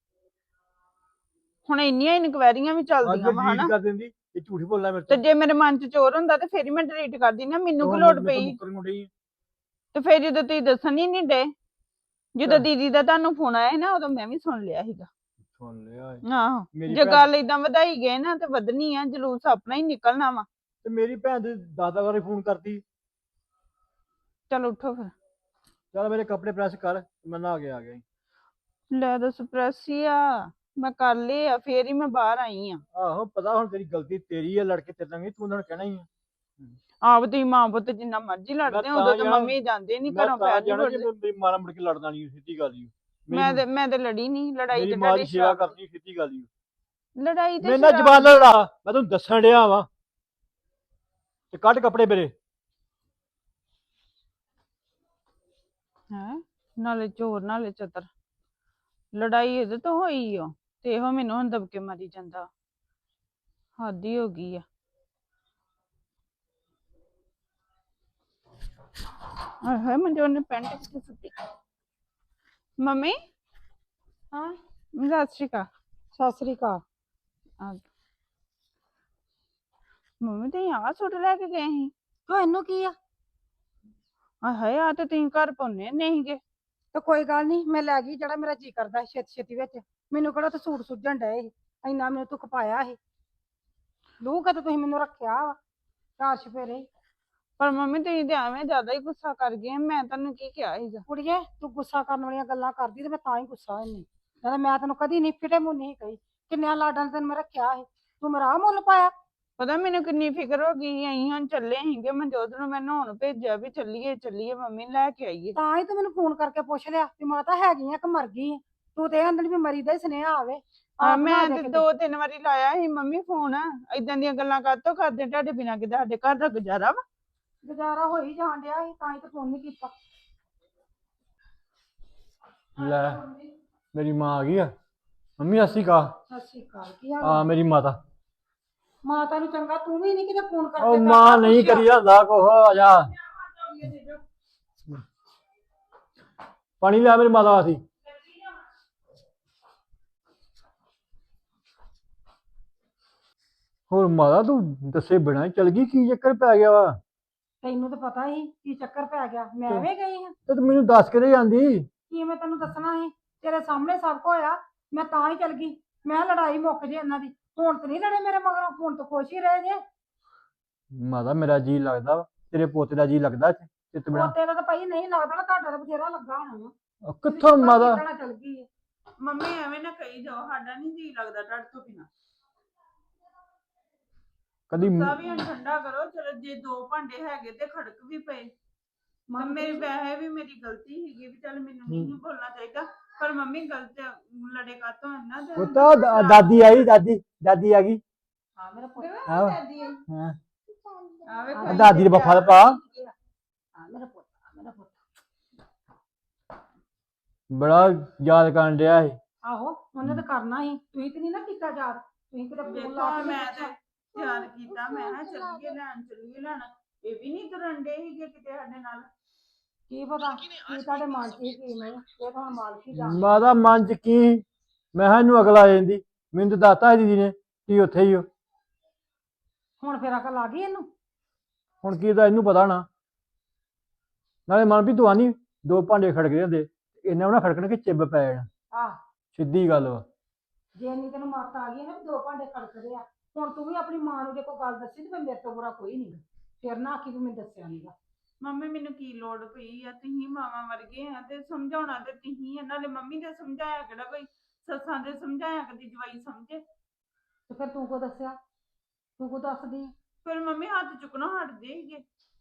S2: ਹੁਣ ਇੰਨੀਆਂ ਇਨਕੁਆਇਰੀਆਂ ਵੀ ਚੱਲਦੀਆਂ ਵਾ ਹਨਾ।
S6: ਕਰ ਦਿੰਦੀ, ਇਹ ਝੂਠੀ ਬੋਲਣਾ ਮੇਰੇ
S2: ਤੇ
S6: ਤੋਂ।
S2: ਜੇ ਮੇਰੇ ਮਨ 'ਚ ਚੋਰ ਹੁੰਦਾ ਤੇ ਫੇਰ ਹੀ ਮੈਂ ਡਿਲੀਟ ਕਰਦੀ ਨਾ, ਮੈਨੂੰ ਕੀ
S6: ਹੁਣ
S2: ਲੋੜ
S6: ਮੇਰੇ ਤੋਂ
S2: ਪਈ।
S6: ਮੁੱਕਰਨ ਨੂੰ ਡਈ।
S2: ਤੇ ਫੇਰ ਜਦੋਂ ਤੁਸੀਂ ਦੱਸਣ ਹੀ ਨਹੀਂ ਡੇ, ਜਦੋਂ
S6: ਚੱਲ।
S2: ਦੀਦੀ ਦਾ ਤੁਹਾਨੂੰ ਫੋਨ ਆਇਆ ਸੀ ਨਾ, ਉਦੋਂ ਮੈਂ ਵੀ ਸੁਣ ਲਿਆ ਸੀਗਾ।
S6: ਸੁਣ ਲਿਆ ਏ।
S2: ਆਹੋ,
S6: ਮੇਰੀ
S2: ਜੇ
S6: ਭੈਣ-
S2: ਗੱਲ ਏਦਾਂ ਵਧਾਈ ਗਏ ਨਾ ਤੇ ਵਧਣੀ ਆ, ਜਲੂਸ ਆਪਣਾ ਹੀ ਨਿਕਲਣਾ ਵਾ।
S6: ਤੇ ਮੇਰੀ ਭੈਣ ਦੇ ਦਾਦਾ ਵਾਰੀ ਫੋਨ ਕਰਦੀ।
S2: ਚਲ ਉੱਠੋ ਫਿਰ।
S6: ਚੱਲ ਮੇਰੇ ਕੱਪੜੇ ਪ੍ਰੈਸ ਕਰ, ਮੈਂ ਨਹਾ ਕੇ ਆ ਗਿਆ ਈ।
S2: ਲੈ ਦੱਸ ਪ੍ਰੈਸ ਹੀ ਆ, ਮੈਂ ਕਰ ਲਏ ਆ, ਫੇਰ ਹੀ ਮੈਂ ਬਾਹਰ ਆਈ ਆ।
S6: ਆਹੋ ਪਤਾ, ਹੁਣ ਤੇਰੀ ਗਲਤੀ ਤੇਰੀ ਆ, ਲੜਕੇ ਤੇਰੇ ਨਾਲ ਨਹੀਂ, ਤੂੰ ਉਹਨਾਂ ਨੂੰ ਕਹਿਣਾ ਹੀ ਆ।
S2: ਆਪ ਤੁਸੀਂ ਮਾਂ ਪੁੱਤ ਜਿੰਨਾ ਮਰਜ਼ੀ ਲੜਦੇ ਹੋ,
S6: ਤਾਂ
S2: ਉਦੋਂ ਤੇ
S6: ਜਾਣਾ-
S2: ਮੰਮੀ ਜਾਂਦੇ ਨਹੀਂ
S6: ਮੈਂ
S2: ਘਰੋਂ
S6: ਤਾਂ
S2: ਪੈਰ ਨਹੀਂ
S6: ਜਾਣਾ ਜੇ
S2: ਫੁੱਟਦੇ।
S6: ਮੇਰੀ ਮਾਂ ਨਾਲ ਮੁੜ ਕੇ ਲੜਨਾ ਨਹੀਂ, ਸਿੱਧੀ ਗੱਲ ਹੀ।
S2: ਮੈਂ ਤੇ ਮੈਂ ਤੇ ਲੜੀ ਨਹੀਂ, ਲੜਾਈ
S6: ਮੇਰੀ
S2: ਤੇ
S6: ਮਾਂ ਦੀ
S2: ਤੁਹਾਡੀ
S6: ਸੇਵਾ
S2: ਸ਼ਰਾਬ
S6: ਕਰਨੀ, ਸਿੱਧੀ ਗੱਲ ਹੀ।
S2: ਲੜਾਈ ਤੇ
S6: ਮੇਰੇ ਨਾਲ
S2: ਸ਼ਰਾਬ
S6: ਜ਼ਬਾਨ ਨਾ ਲੜਾ, ਮੈਂ ਤੈਨੂੰ ਦੱਸਣ ਡਿਆ ਵਾ। ਤੇ ਕੱਢ ਕੱਪੜੇ ਮੇਰੇ।
S2: ਹੈ ਨਾਲੇ ਚੋਰ ਨਾਲੇ ਚਤਰ। ਲੜਾਈ ਇਹਦੇ ਤੋਂ ਹੋਈ ਆ ਤੇ ਇਹੋ ਮੈਨੂੰ ਹੁਣ ਦਬਕੇ ਮਾਰੀ ਜਾਂਦਾ। ਹੱਦ ਹੀ ਹੋ ਗਈ ਆ। ਹਾਏ ਹਾਏ, ਮੈਨੂੰ ਉਹਨੇ ਪੈਂਟ ਕਿੱਥੇ ਸੁੱਟੀ। ਮੰਮੀ
S3: ਹਾਂ
S2: ਸਤਿ ਸ਼੍ਰੀ ਅਕਾਲ।
S3: ਸਤਿ ਸ੍ਰੀ ਅਕਾਲ।
S2: ਆ ਮੰਮੀ ਤੇ ਆਹ ਸੂਟ ਲੈ ਕੇ ਗਏ ਸੀ।
S3: ਕਿਉਂ ਇਹਨੂੰ ਕੀ ਆ?
S2: ਹਾਏ ਹਾਏ ਆ ਤੇ ਤੁਸੀਂ ਘਰ ਪਾਉਣੇ ਨਹੀਂ ਗੇ।
S3: ਤੇ ਕੋਈ ਗੱਲ ਨਹੀਂ, ਮੈਂ ਲੈ ਗਈ ਜਿਹੜਾ ਮੇਰਾ ਜੀ ਕਰਦਾ ਸੀ ਛੇਤੀ ਛੇਤੀ ਵਿੱਚ। ਮੈਨੂੰ ਕਿਹੜਾ ਤੇ ਸੂਟ ਸੁੱਜਣ ਡਏ ਸੀ, ਇੰਨਾ ਮੈਨੂੰ ਤੂੰ ਖਪਾਇਆ ਸੀ। ਲੂ ਕਦ ਤੁਸੀਂ ਮੈਨੂੰ ਰੱਖਿਆ ਵਾ ਚਾਰ ਚੁਫੇਰੇ ਹੀ।
S2: ਪਰ ਮੰਮੀ ਤੁਸੀਂ ਤੇ ਐਵੇਂ ਜ਼ਿਆਦਾ ਹੀ ਗੁੱਸਾ ਕਰ ਗਏ, ਮੈਂ ਤੁਹਾਨੂੰ ਕੀ ਕਿਹਾ ਸੀਗਾ।
S3: ਕੁੜੀਏ ਤੂੰ ਗੁੱਸਾ ਕਰਨ ਵਾਲੀਆਂ ਗੱਲਾਂ ਕਰਦੀ ਤੇ ਮੈਂ ਤਾਂ ਹੀ ਗੁੱਸਾ ਹੁੰਨੀ। ਕਹਿੰਦਾ ਮੈਂ ਤੈਨੂੰ ਕਦੀ ਨਹੀਂ ਫਿਟੇ ਮੂੰਹ ਨਹੀਂ ਕਹੀ, ਕਿੰਨਿਆਂ ਲਾਡਾਂ ਨੇ ਤੈਨੂੰ ਮੈਂ ਰੱਖਿਆ ਸੀ, ਤੂੰ ਮੇਰਾ ਆਹ ਮੁੱਲ ਪਾਇਆ।
S2: ਪਤਾ ਮੈਨੂੰ ਕਿੰਨੀ ਫਿਕਰ ਹੋ ਗਈ, ਅਸੀਂ ਹੁਣ ਚੱਲੇ ਸੀਗੇ ਮਨਜੋਤ ਨੂੰ ਮੈਂ ਨਹਾਉਣ ਭੇਜਿਆ ਵੀ ਚੱਲੀਏ ਚੱਲੀਏ ਮੰਮੀ ਲੈ ਕੇ ਆਈਏ।
S3: ਤਾਂ ਹੀ ਤੂੰ ਮੈਨੂੰ ਫੋਨ ਕਰਕੇ ਪੁੱਛ ਲਿਆ ਵੀ ਮਾਤਾ ਹੈਗੀ ਆ ਕਿ ਮਰ ਗਈ ਆ। ਤੂੰ ਤੇ ਅੰਦਰ ਵੀ ਮਰੀ ਦਾ ਹੀ ਸੁਨੇਹਾ ਆਵੇ।
S2: ਹਾਂ
S3: ਆਪ
S2: ਮੈਂ
S3: ਬਣਾ ਦੇ
S2: ਤੇ
S3: ਕਿਤੇ।
S2: ਦੋ ਤਿੰਨ ਵਾਰੀ ਲਾਇਆ ਸੀ ਮੰਮੀ ਫੋਨ, ਏਦਾਂ ਦੀਆਂ ਗੱਲਾਂ ਕਾਹਤੋਂ ਕਰਦੇ ਤੁਹਾਡੇ ਬਿਨਾਂ, ਕਿਤੇ ਸਾਡੇ ਘਰ ਦਾ ਗੁਜ਼ਾਰਾ ਵਾ।
S3: ਗੁਜ਼ਾਰਾ ਹੋ ਹੀ ਜਾਣ ਡਿਆ ਸੀ, ਤਾਂ ਹੀ ਤਾਂ ਫੋਨ ਨਹੀਂ ਕੀਤਾ।
S6: ਲੈ ਮੇਰੀ ਮਾਂ ਆ ਗਈ ਆ। ਮੰਮੀ ਸਤਿ ਸ਼੍ਰੀ ਅਕਾਲ।
S3: ਸਤਿ ਸ਼੍ਰੀ ਅਕਾਲ, ਕੀ ਹਾਲ
S6: ਹਾਂ
S3: ਆ?
S6: ਮੇਰੀ ਮਾਤਾ।
S3: ਮਾਤਾ ਨੂੰ ਚੰਗਾ ਤੂੰ ਵੀ ਨਹੀਂ ਕਿਤੇ ਫੋਨ ਕਰਕੇ
S6: ਉਹ
S3: ਕਰਦਾ,
S6: ਮਾਂ ਨਹੀਂ
S3: ਪੁੱਛਿਆ।
S6: ਕਰੀ ਜਾਂਦਾ ਕੁਛ, ਆ ਜਾ ਪਾਣੀ ਲਿਆ ਮੇਰੀ ਮਾਤਾ ਵਾਸਤੇ। ਹੋਰ ਮਾਤਾ ਤੂੰ ਦੱਸੇ ਬਿਨਾਂ ਹੀ ਚਲ ਗਈ, ਕੀ ਚੱਕਰ ਪੈ ਗਿਆ ਵਾ?
S3: ਤੈਨੂੰ ਤਾਂ ਪਤਾ ਹੀ ਕੀ ਚੱਕਰ ਪੈ ਗਿਆ, ਮੈਂ ਐਵੇਂ ਗਈ ਹਾਂ।
S6: ਤੇ ਤੂੰ ਮੈਨੂੰ ਦੱਸ ਕੇ ਤੇ ਜਾਂਦੀ।
S3: ਕੀ ਮੈਂ ਤੈਨੂੰ ਦੱਸਣਾ ਸੀ, ਤੇਰੇ ਸਾਹਮਣੇ ਸਭ ਕੁਝ ਹੋਇਆ, ਮੈਂ ਤਾਂ ਹੀ ਚਲ ਗਈ। ਮੈਂ ਕਿਹਾ ਲੜਾਈ ਮੁੱਕ ਜੇ ਇਹਨਾਂ ਦੀ। ਹੁਣ ਤੇ ਨਹੀਂ ਲੜੇ ਮੇਰੇ ਮਗਰੋਂ, ਹੁਣ ਤਾਂ ਖੁਸ਼ ਹੀ ਰਹੇ ਜੇ।
S6: ਮਾਤਾ ਮੇਰਾ ਜੀ ਲੱਗਦਾ ਵਾ, ਤੇਰੇ ਪੋਤੇ ਦਾ ਜੀ ਲੱਗਦਾ ਇੱਥੇ ਚਿੱਤ ਬਿਨਾਂ।
S3: ਪੋਤੇ ਦਾ ਤਾਂ ਭਾਈ ਨਹੀਂ ਲੱਗਦਾ ਨਾ, ਤੁਹਾਡਾ ਤਾਂ ਬਥੇਰਾ ਲੱਗਾ ਹੋਣਾ ਵਾ।
S6: ਕਿੱਥੋਂ ਮਾਤਾ?
S3: ਚਲ ਗਈ ਹੈ।
S2: ਮੰਮੀ ਐਵੇਂ ਨਾ ਕਹੀ ਜਾਓ, ਸਾਡਾ ਨਹੀਂ ਜੀ ਲੱਗਦਾ ਤੁਹਾਡੇ ਤੋਂ ਬਿਨਾਂ।
S6: ਕਦੀ
S2: ਗੁੱਸਾ ਵੀ ਹੁਣ ਠੰਡਾ ਕਰੋ, ਚਲੋ ਜੇ ਦੋ ਭਾਂਡੇ ਹੈਗੇ ਤੇ ਖੜਕ ਵੀ ਪਏ। ਤੇ ਮੇਰੇ ਪੈਸੇ ਵੀ ਮੇਰੀ ਗਲਤੀ ਸੀਗੀ ਵੀ ਚੱਲ ਮੈਨੂੰ ਨਹੀਂ ਬੋਲਣਾ ਚਾਹੀਦਾ, ਪਰ ਮੰਮੀ ਗਲਤ ਲੜੇ ਕਾਤੋਂ ਇੰਨਾ ਤੇ
S6: ਉਹ ਤਾਂ ਦਾ- ਦਾਦੀ ਆਈ, ਦਾਦੀ ਦਾਦੀ ਆ ਗਈ।
S3: ਹਾਂ ਮੇਰਾ ਪੁੱਤ।
S6: ਆਹੋ।
S2: ਦਾਦੀ ਆਈ।
S6: ਹਾਂ
S2: ਆ ਵੇਖੋ
S6: ਆ ਦਾਦੀ ਦੇ ਬੱਫਾ ਪਾ।
S3: ਹਾਂ ਮੇਰਾ ਪੁੱਤ, ਮੇਰਾ ਪੁੱਤ।
S6: ਬੜਾ ਯਾਦ ਕਰਨ ਡਿਆ ਸੀ।
S3: ਆਹੋ ਉਹਨੇ ਤਾਂ ਕਰਨਾ ਸੀ, ਤੁਸੀਂ ਤੇ ਨਹੀਂ ਨਾ ਕੀਤਾ ਯਾਦ। ਤੁਸੀਂ ਕਿਤੇ ਫੋਨ ਲਾ ਕੇ
S2: ਮੈਂ ਤੇ ਤਿਆਰ ਕੀਤਾ, ਮੈਂ ਕਿਹਾ ਚੱਲੀਏ ਲੈਣ ਚੱਲੀਏ ਲੈਣ, ਇਹ ਵੀ ਨਹੀਂ ਤੁਰਨ ਡੇ ਸੀਗੇ ਕਿਤੇ ਸਾਡੇ ਨਾਲ।
S3: ਕੀ ਪਤਾ ਕੀ ਤੁਹਾਡੇ ਮਨ ਚ ਸੀ, ਕੀ ਨਹੀਂ, ਇਹ ਤਾਂ ਮਾਲਕ ਹੀ ਜਾਣਦਾ।
S6: ਮਾਤਾ ਮਨ ਚ ਕੀ, ਮੈਂ ਕਿਹਾ ਇਹਨੂੰ ਅਗਲ ਆ ਜਾਂਦੀ। ਮੈਨੂੰ ਤਾਂ ਦੱਸਤਾ ਦੀਦੀ ਨੇ ਕੀ ਉੱਥੇ ਹੀ ਹੋ।
S3: ਹੁਣ ਫੇਰ ਅਕਲ ਆ ਗਈ ਇਹਨੂੰ।
S6: ਹੁਣ ਕੀ ਤਾਂ ਇਹਨੂੰ ਪਤਾ ਨਾ। ਨਾਲੇ ਮਨ ਵੀ ਤੂੰ ਆਨੀ ਦੋ ਭਾਂਡੇ ਖੜਕਦੇ ਹੁੰਦੇ, ਇਹਨਾਂ ਉਹਨਾਂ ਖੜਕਣ ਕੇ ਚਿੱਬ ਪੈ ਜਾਣਾ।
S3: ਆਹ
S6: ਸਿੱਧੀ ਗੱਲ ਵਾ।
S3: ਜੇ ਇੰਨੀ ਤੈਨੂੰ ਮੱਤ ਆ ਗਈ ਨਾ ਵੀ ਦੋ ਭਾਂਡੇ ਖੜਕਦੇ ਆ, ਹੁਣ ਤੂੰ ਵੀ ਆਪਣੀ ਮਾਂ ਨੂੰ ਜੇ ਕੋਈ ਗੱਲ ਦੱਸੀ ਤੇ ਫਿਰ ਮੇਰੇ ਤੋਂ ਬੁਰਾ ਕੋਈ ਨਹੀਂ। ਫਿਰ ਨਾ ਆਖੀ ਵੀ ਮੈਂ ਦੱਸਿਆ ਨਹੀਂਗਾ।
S2: ਮੰਮੀ ਮੈਨੂੰ ਕੀ ਲੋੜ ਪਈ ਆ, ਤੁਸੀਂ ਮਾਵਾਂ ਵਰਗੇ ਆ ਤੇ ਸਮਝਾਉਣਾ ਤੇ ਤੁਸੀਂ, ਨਾਲੇ ਮੰਮੀ ਦੇ ਸਮਝਾਇਆ ਕਿਹੜਾ ਕੋਈ ਸੱਸਾਂ ਦੇ ਸਮਝਾਇਆ ਕਦੀ ਜਵਾਈ ਸਮਝੇ।
S3: ਤੇ ਫਿਰ ਤੂੰ ਕੋ ਦੱਸਿਆ, ਤੂੰ ਕੋ ਦੱਸਦੀ?
S2: ਫਿਰ ਮੰਮੀ ਹੱਥ ਚੁੱਕਣਾ ਹਟਦੇ ਸੀਗੇ।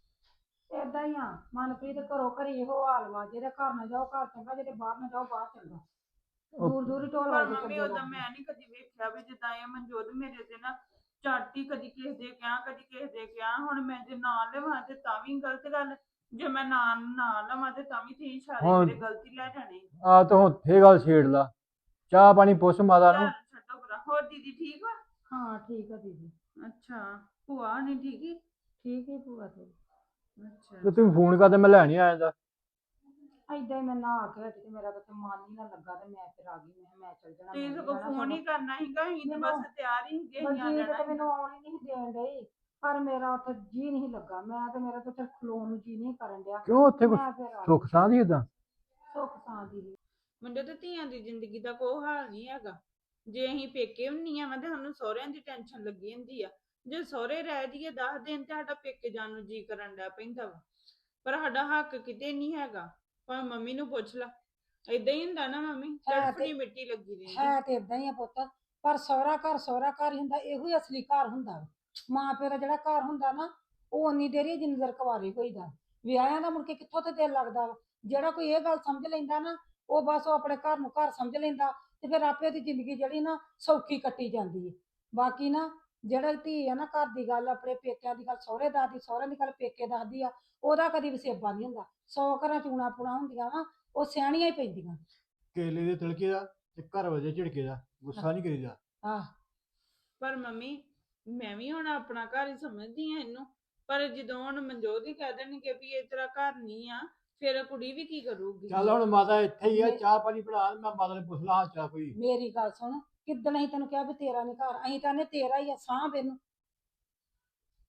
S3: ਏਦਾਂ ਹੀ ਆ ਮਨਪ੍ਰੀਤ, ਘਰੋਂ ਘਰੀ ਇਹੋ ਹਾਲ ਵਾ, ਜਿਹਦੇ ਘਰ ਨਾ ਜਾਓ ਘਰ ਚੰਗਾ, ਜਿਹਦੇ ਬਾਹਰ ਨਾ ਜਾਓ ਬਾਹਰ ਚੰਗਾ। ਦੂਰ ਦੂਰ ਹੀ ਢੋਲ
S2: ਪਰ
S3: ਵਾਜੇ
S2: ਮੰਮੀ
S3: ਚੰਗੇ
S2: ਉਦਾਂ
S3: ਲੱਗਦੇ।
S2: ਮੈਂ ਨਹੀਂ ਕਦੀ ਵੇਖਿਆ ਵੀ ਜਿੱਦਾਂ ਇਹ ਮਨਜੋਤ ਮੇਰੇ ਤੇ ਨਾ ਝਾਟੀ, ਕਦੀ ਕਿਸੇ ਦੇ ਕਿਹਾ ਕਦੀ ਕਿਸੇ ਦੇ ਕਿਹਾ। ਹੁਣ ਮੈਂ ਜੇ ਨਾ ਲਵਾਂ ਤੇ ਤਾਂ ਵੀ ਗਲਤ ਗੱਲ, ਜੇ ਮੈਂ ਨਾ ਨਾ ਲਵਾਂ ਤੇ ਤਾਂ ਵੀ ਤੁਸੀਂ ਸਾਰੇ
S6: ਹੁਣ-
S2: ਮੇਰੇ ਗਲਤੀ ਲੈ ਜਾਣੇ।
S6: ਆ ਤਾਂ ਹੁਣ ਫੇਰ ਗੱਲ ਛੇੜ ਲਾ। ਚਾਹ ਪਾਣੀ ਪੁੱਛ ਮਾਤਾ ਨੂੰ।
S2: ਚੱਲ ਛੱਡੋ ਪਰਾਂ। ਹੋਰ ਦੀਦੀ ਠੀਕ ਵਾ?
S3: ਹਾਂ ਠੀਕ ਆ ਦੀਦੀ।
S2: ਅੱਛਾ ਭੂਆ ਨਹੀਂ ਠੀਕ ਹੀ?
S3: ਠੀਕ ਹੀ ਭੂਆ ਤੇਰੀ।
S2: ਅੱਛਾ
S6: ਤੇ ਤੂੰ ਫੋਨ ਕਰਦੇ ਮੈਂ ਲੈਣ ਹੀ ਆ ਜਾਂਦਾ।
S3: ਏਦਾਂ ਹੀ ਮੈਂ ਨਹਾ ਕੇ ਹਟੀ ਤੇ ਮੇਰਾ ਤਾਂ ਮਨ ਹੀ ਨਾ ਲੱਗਾ ਤੇ ਮੈਂ ਫਿਰ ਆ ਗਈ। ਮੈਂ ਕਿਹਾ ਮੈਂ ਚੱਲ ਜਾਣਾ।
S2: ਤੁਸੀਂ
S3: ਮੈਂ
S2: ਸਗੋਂ
S3: ਜਾਣਾ
S2: ਫੋਨ
S3: ਸਗੋਂ।
S2: ਹੀ ਕਰਨਾ ਸੀਗਾ, ਅਸੀਂ ਤਾਂ ਬਸ ਤਿਆਰ ਹੀ ਸੀਗੇ, ਅਸੀਂ ਆ
S3: ਬਲਜੀਤ
S2: ਜਾਣਾ
S3: ਤੇ ਮੈਨੂੰ
S2: ਸੀਗਾ।
S3: ਆਉਣ ਹੀ ਨਹੀਂ ਦੇਣ ਡਈ, ਪਰ ਮੇਰਾ ਉੱਥੇ ਜੀ ਨਹੀਂ ਲੱਗਾ। ਮੈਂ ਤੇ ਮੇਰਾ ਤਾਂ ਉੱਥੇ ਖਲੋਣ ਨੂੰ ਜੀ ਨਹੀਂ ਕਰਨ ਡਿਆ।
S6: ਕਿਉਂ ਉੱਥੇ ਕੁਛ
S3: ਮੈਂ ਫਿਰ ਆ
S6: ਸੁੱਖ ਸਾਂਦੀ ਏਦਾਂ?
S3: ਸੁੱਖ ਸਾਂਦੀ ਦੀ।
S2: ਮੁੰਡੇ ਤੇ ਧੀਆਂ ਦੀ ਜ਼ਿੰਦਗੀ ਦਾ ਕੋਈ ਹਾਲ ਨਹੀਂ ਹੈਗਾ। ਜੇ ਅਸੀਂ ਪੇਕੇ ਹੁੰਨੀ ਆ ਤੇ ਸਾਨੂੰ ਸਹੁਰਿਆਂ ਦੀ ਟੈਨਸ਼ਨ ਲੱਗੀ ਹੁੰਦੀ ਆ। ਜੇ ਸਹੁਰੇ ਰਹਿ ਜਾਈਏ ਦਸ ਦਿਨ ਤੇ ਸਾਡਾ ਪੇਕੇ ਜਾਣ ਨੂੰ ਜੀ ਕਰਨ ਡਿਆ ਪੈਂਦਾ ਵਾ, ਪਰ ਸਾਡਾ ਹੱਕ ਕਿਤੇ ਨਹੀਂ ਹੈਗਾ। ਭਾਵੇਂ ਮੰਮੀ ਨੂੰ ਪੁੱਛ ਲਾ, ਏਦਾਂ ਹੀ ਹੁੰਦਾ ਨਾ ਮੰਮੀ,
S3: ਹੈ ਤੇ-
S2: ਤੜਫਣੀ ਮਿੱਟੀ ਲੱਗੀ ਰਹਿੰਦੀ।
S3: ਹੈ ਤੇ ਇਦਾਂ ਹੀ ਆ ਪੁੱਤ, ਪਰ ਸਹੁਰਾ ਘਰ ਸਹੁਰਾ ਘਰ ਹੀ ਹੁੰਦਾ, ਇਹੋ ਹੀ ਅਸਲੀ ਘਰ ਹੁੰਦਾ ਵਾ। ਮਾਂ ਪਿਓ ਦਾ ਜਿਹੜਾ ਘਰ ਹੁੰਦਾ ਨਾ, ਉਹ ਉਨੀ ਦੇਰ ਹੀ ਜਿੰਨੀ ਦੇਰ ਕੁਆਰੇ ਹੋਈਦਾ। ਵਿਆਹਿਆਂ ਦਾ ਮੁੜ ਕੇ ਕਿੱਥੋਂ ਤੇ ਦਿਲ ਲੱਗਦਾ ਵਾ। ਜਿਹੜਾ ਕੋਈ ਇਹ ਗੱਲ ਸਮਝ ਲੈਂਦਾ ਨਾ, ਉਹ ਬਸ ਉਹ ਆਪਣੇ ਘਰ ਨੂੰ ਘਰ ਸਮਝ ਲੈਂਦਾ ਤੇ ਫਿਰ ਆਪੇ ਦੀ ਜ਼ਿੰਦਗੀ ਜਿਹੜੀ ਨਾ ਸੌਖੀ ਕੱਟੀ ਜਾਂਦੀ ਹੈ। ਬਾਕੀ ਨਾ ਜਿਹੜਾ ਧੀ ਆ ਨਾ, ਘਰ ਦੀ ਗੱਲ ਆਪਣੇ ਪੇਕਿਆਂ ਦੀ ਗੱਲ ਸਹੁਰੇ ਦੱਸਦੀ, ਸਹੁਰਿਆਂ ਦੀ ਗੱਲ ਪੇਕੇ ਦੱਸਦੀ ਆ, ਉਹਦਾ ਕਦੀ ਵਸੇਬਾ ਨਹੀਂ ਹੁੰਦਾ। ਸੌ ਘਰਾਂ ਚੂਣਾ ਪੂਣਾ ਹੁੰਦੀਆਂ ਵਾ, ਉਹ ਸਿਆਣੀਆਂ ਹੀ ਪੈਂਦੀਆਂ।
S6: ਕੇਲੇ ਦੇ ਤਿਲਕੇ ਦਾ ਤੇ ਘਰ ਵਜੇ ਝਿੜਕੇ ਦਾ, ਗੁੱਸਾ ਨਹੀਂ ਕਰੀਦਾ।
S3: ਆਹ
S2: ਪਰ ਮੰਮੀ ਮੈਂ ਵੀ ਹੁਣ ਆਪਣਾ ਘਰ ਹੀ ਸਮਝਦੀ ਆ ਇਹਨੂੰ, ਪਰ ਜਦੋਂ ਹੁਣ ਮਨਜੋਤ ਹੀ ਕਹਿ ਦੇਣਗੇ ਵੀ ਇਹ ਤੇਰਾ ਘਰ ਨਹੀਂ ਆ, ਫਿਰ ਕੁੜੀ ਵੀ ਕੀ ਕਰੂਗੀ।
S6: ਚੱਲ ਹੁਣ ਮਾਤਾ ਇੱਥੇ ਹੀ ਆ, ਚਾਹ ਪਾਣੀ ਬਣਾ। ਮੈਂ ਮਾਤਾ ਨੂੰ ਪੁੱਛ ਲਾ ਹਾਲ ਚਾਲ ਕੋਈ।
S3: ਮੇਰੀ ਗੱਲ ਸੁਣ, ਕਿੱਦਣ ਅਸੀਂ ਤੈਨੂੰ ਕਿਹਾ ਵੀ ਤੇਰਾ ਨਹੀਂ ਘਰ, ਅਸੀਂ ਤਾਂ ਨੇ ਤੇਰਾ ਹੀ ਆ, ਸਾਂਭ ਇਹਨੂੰ।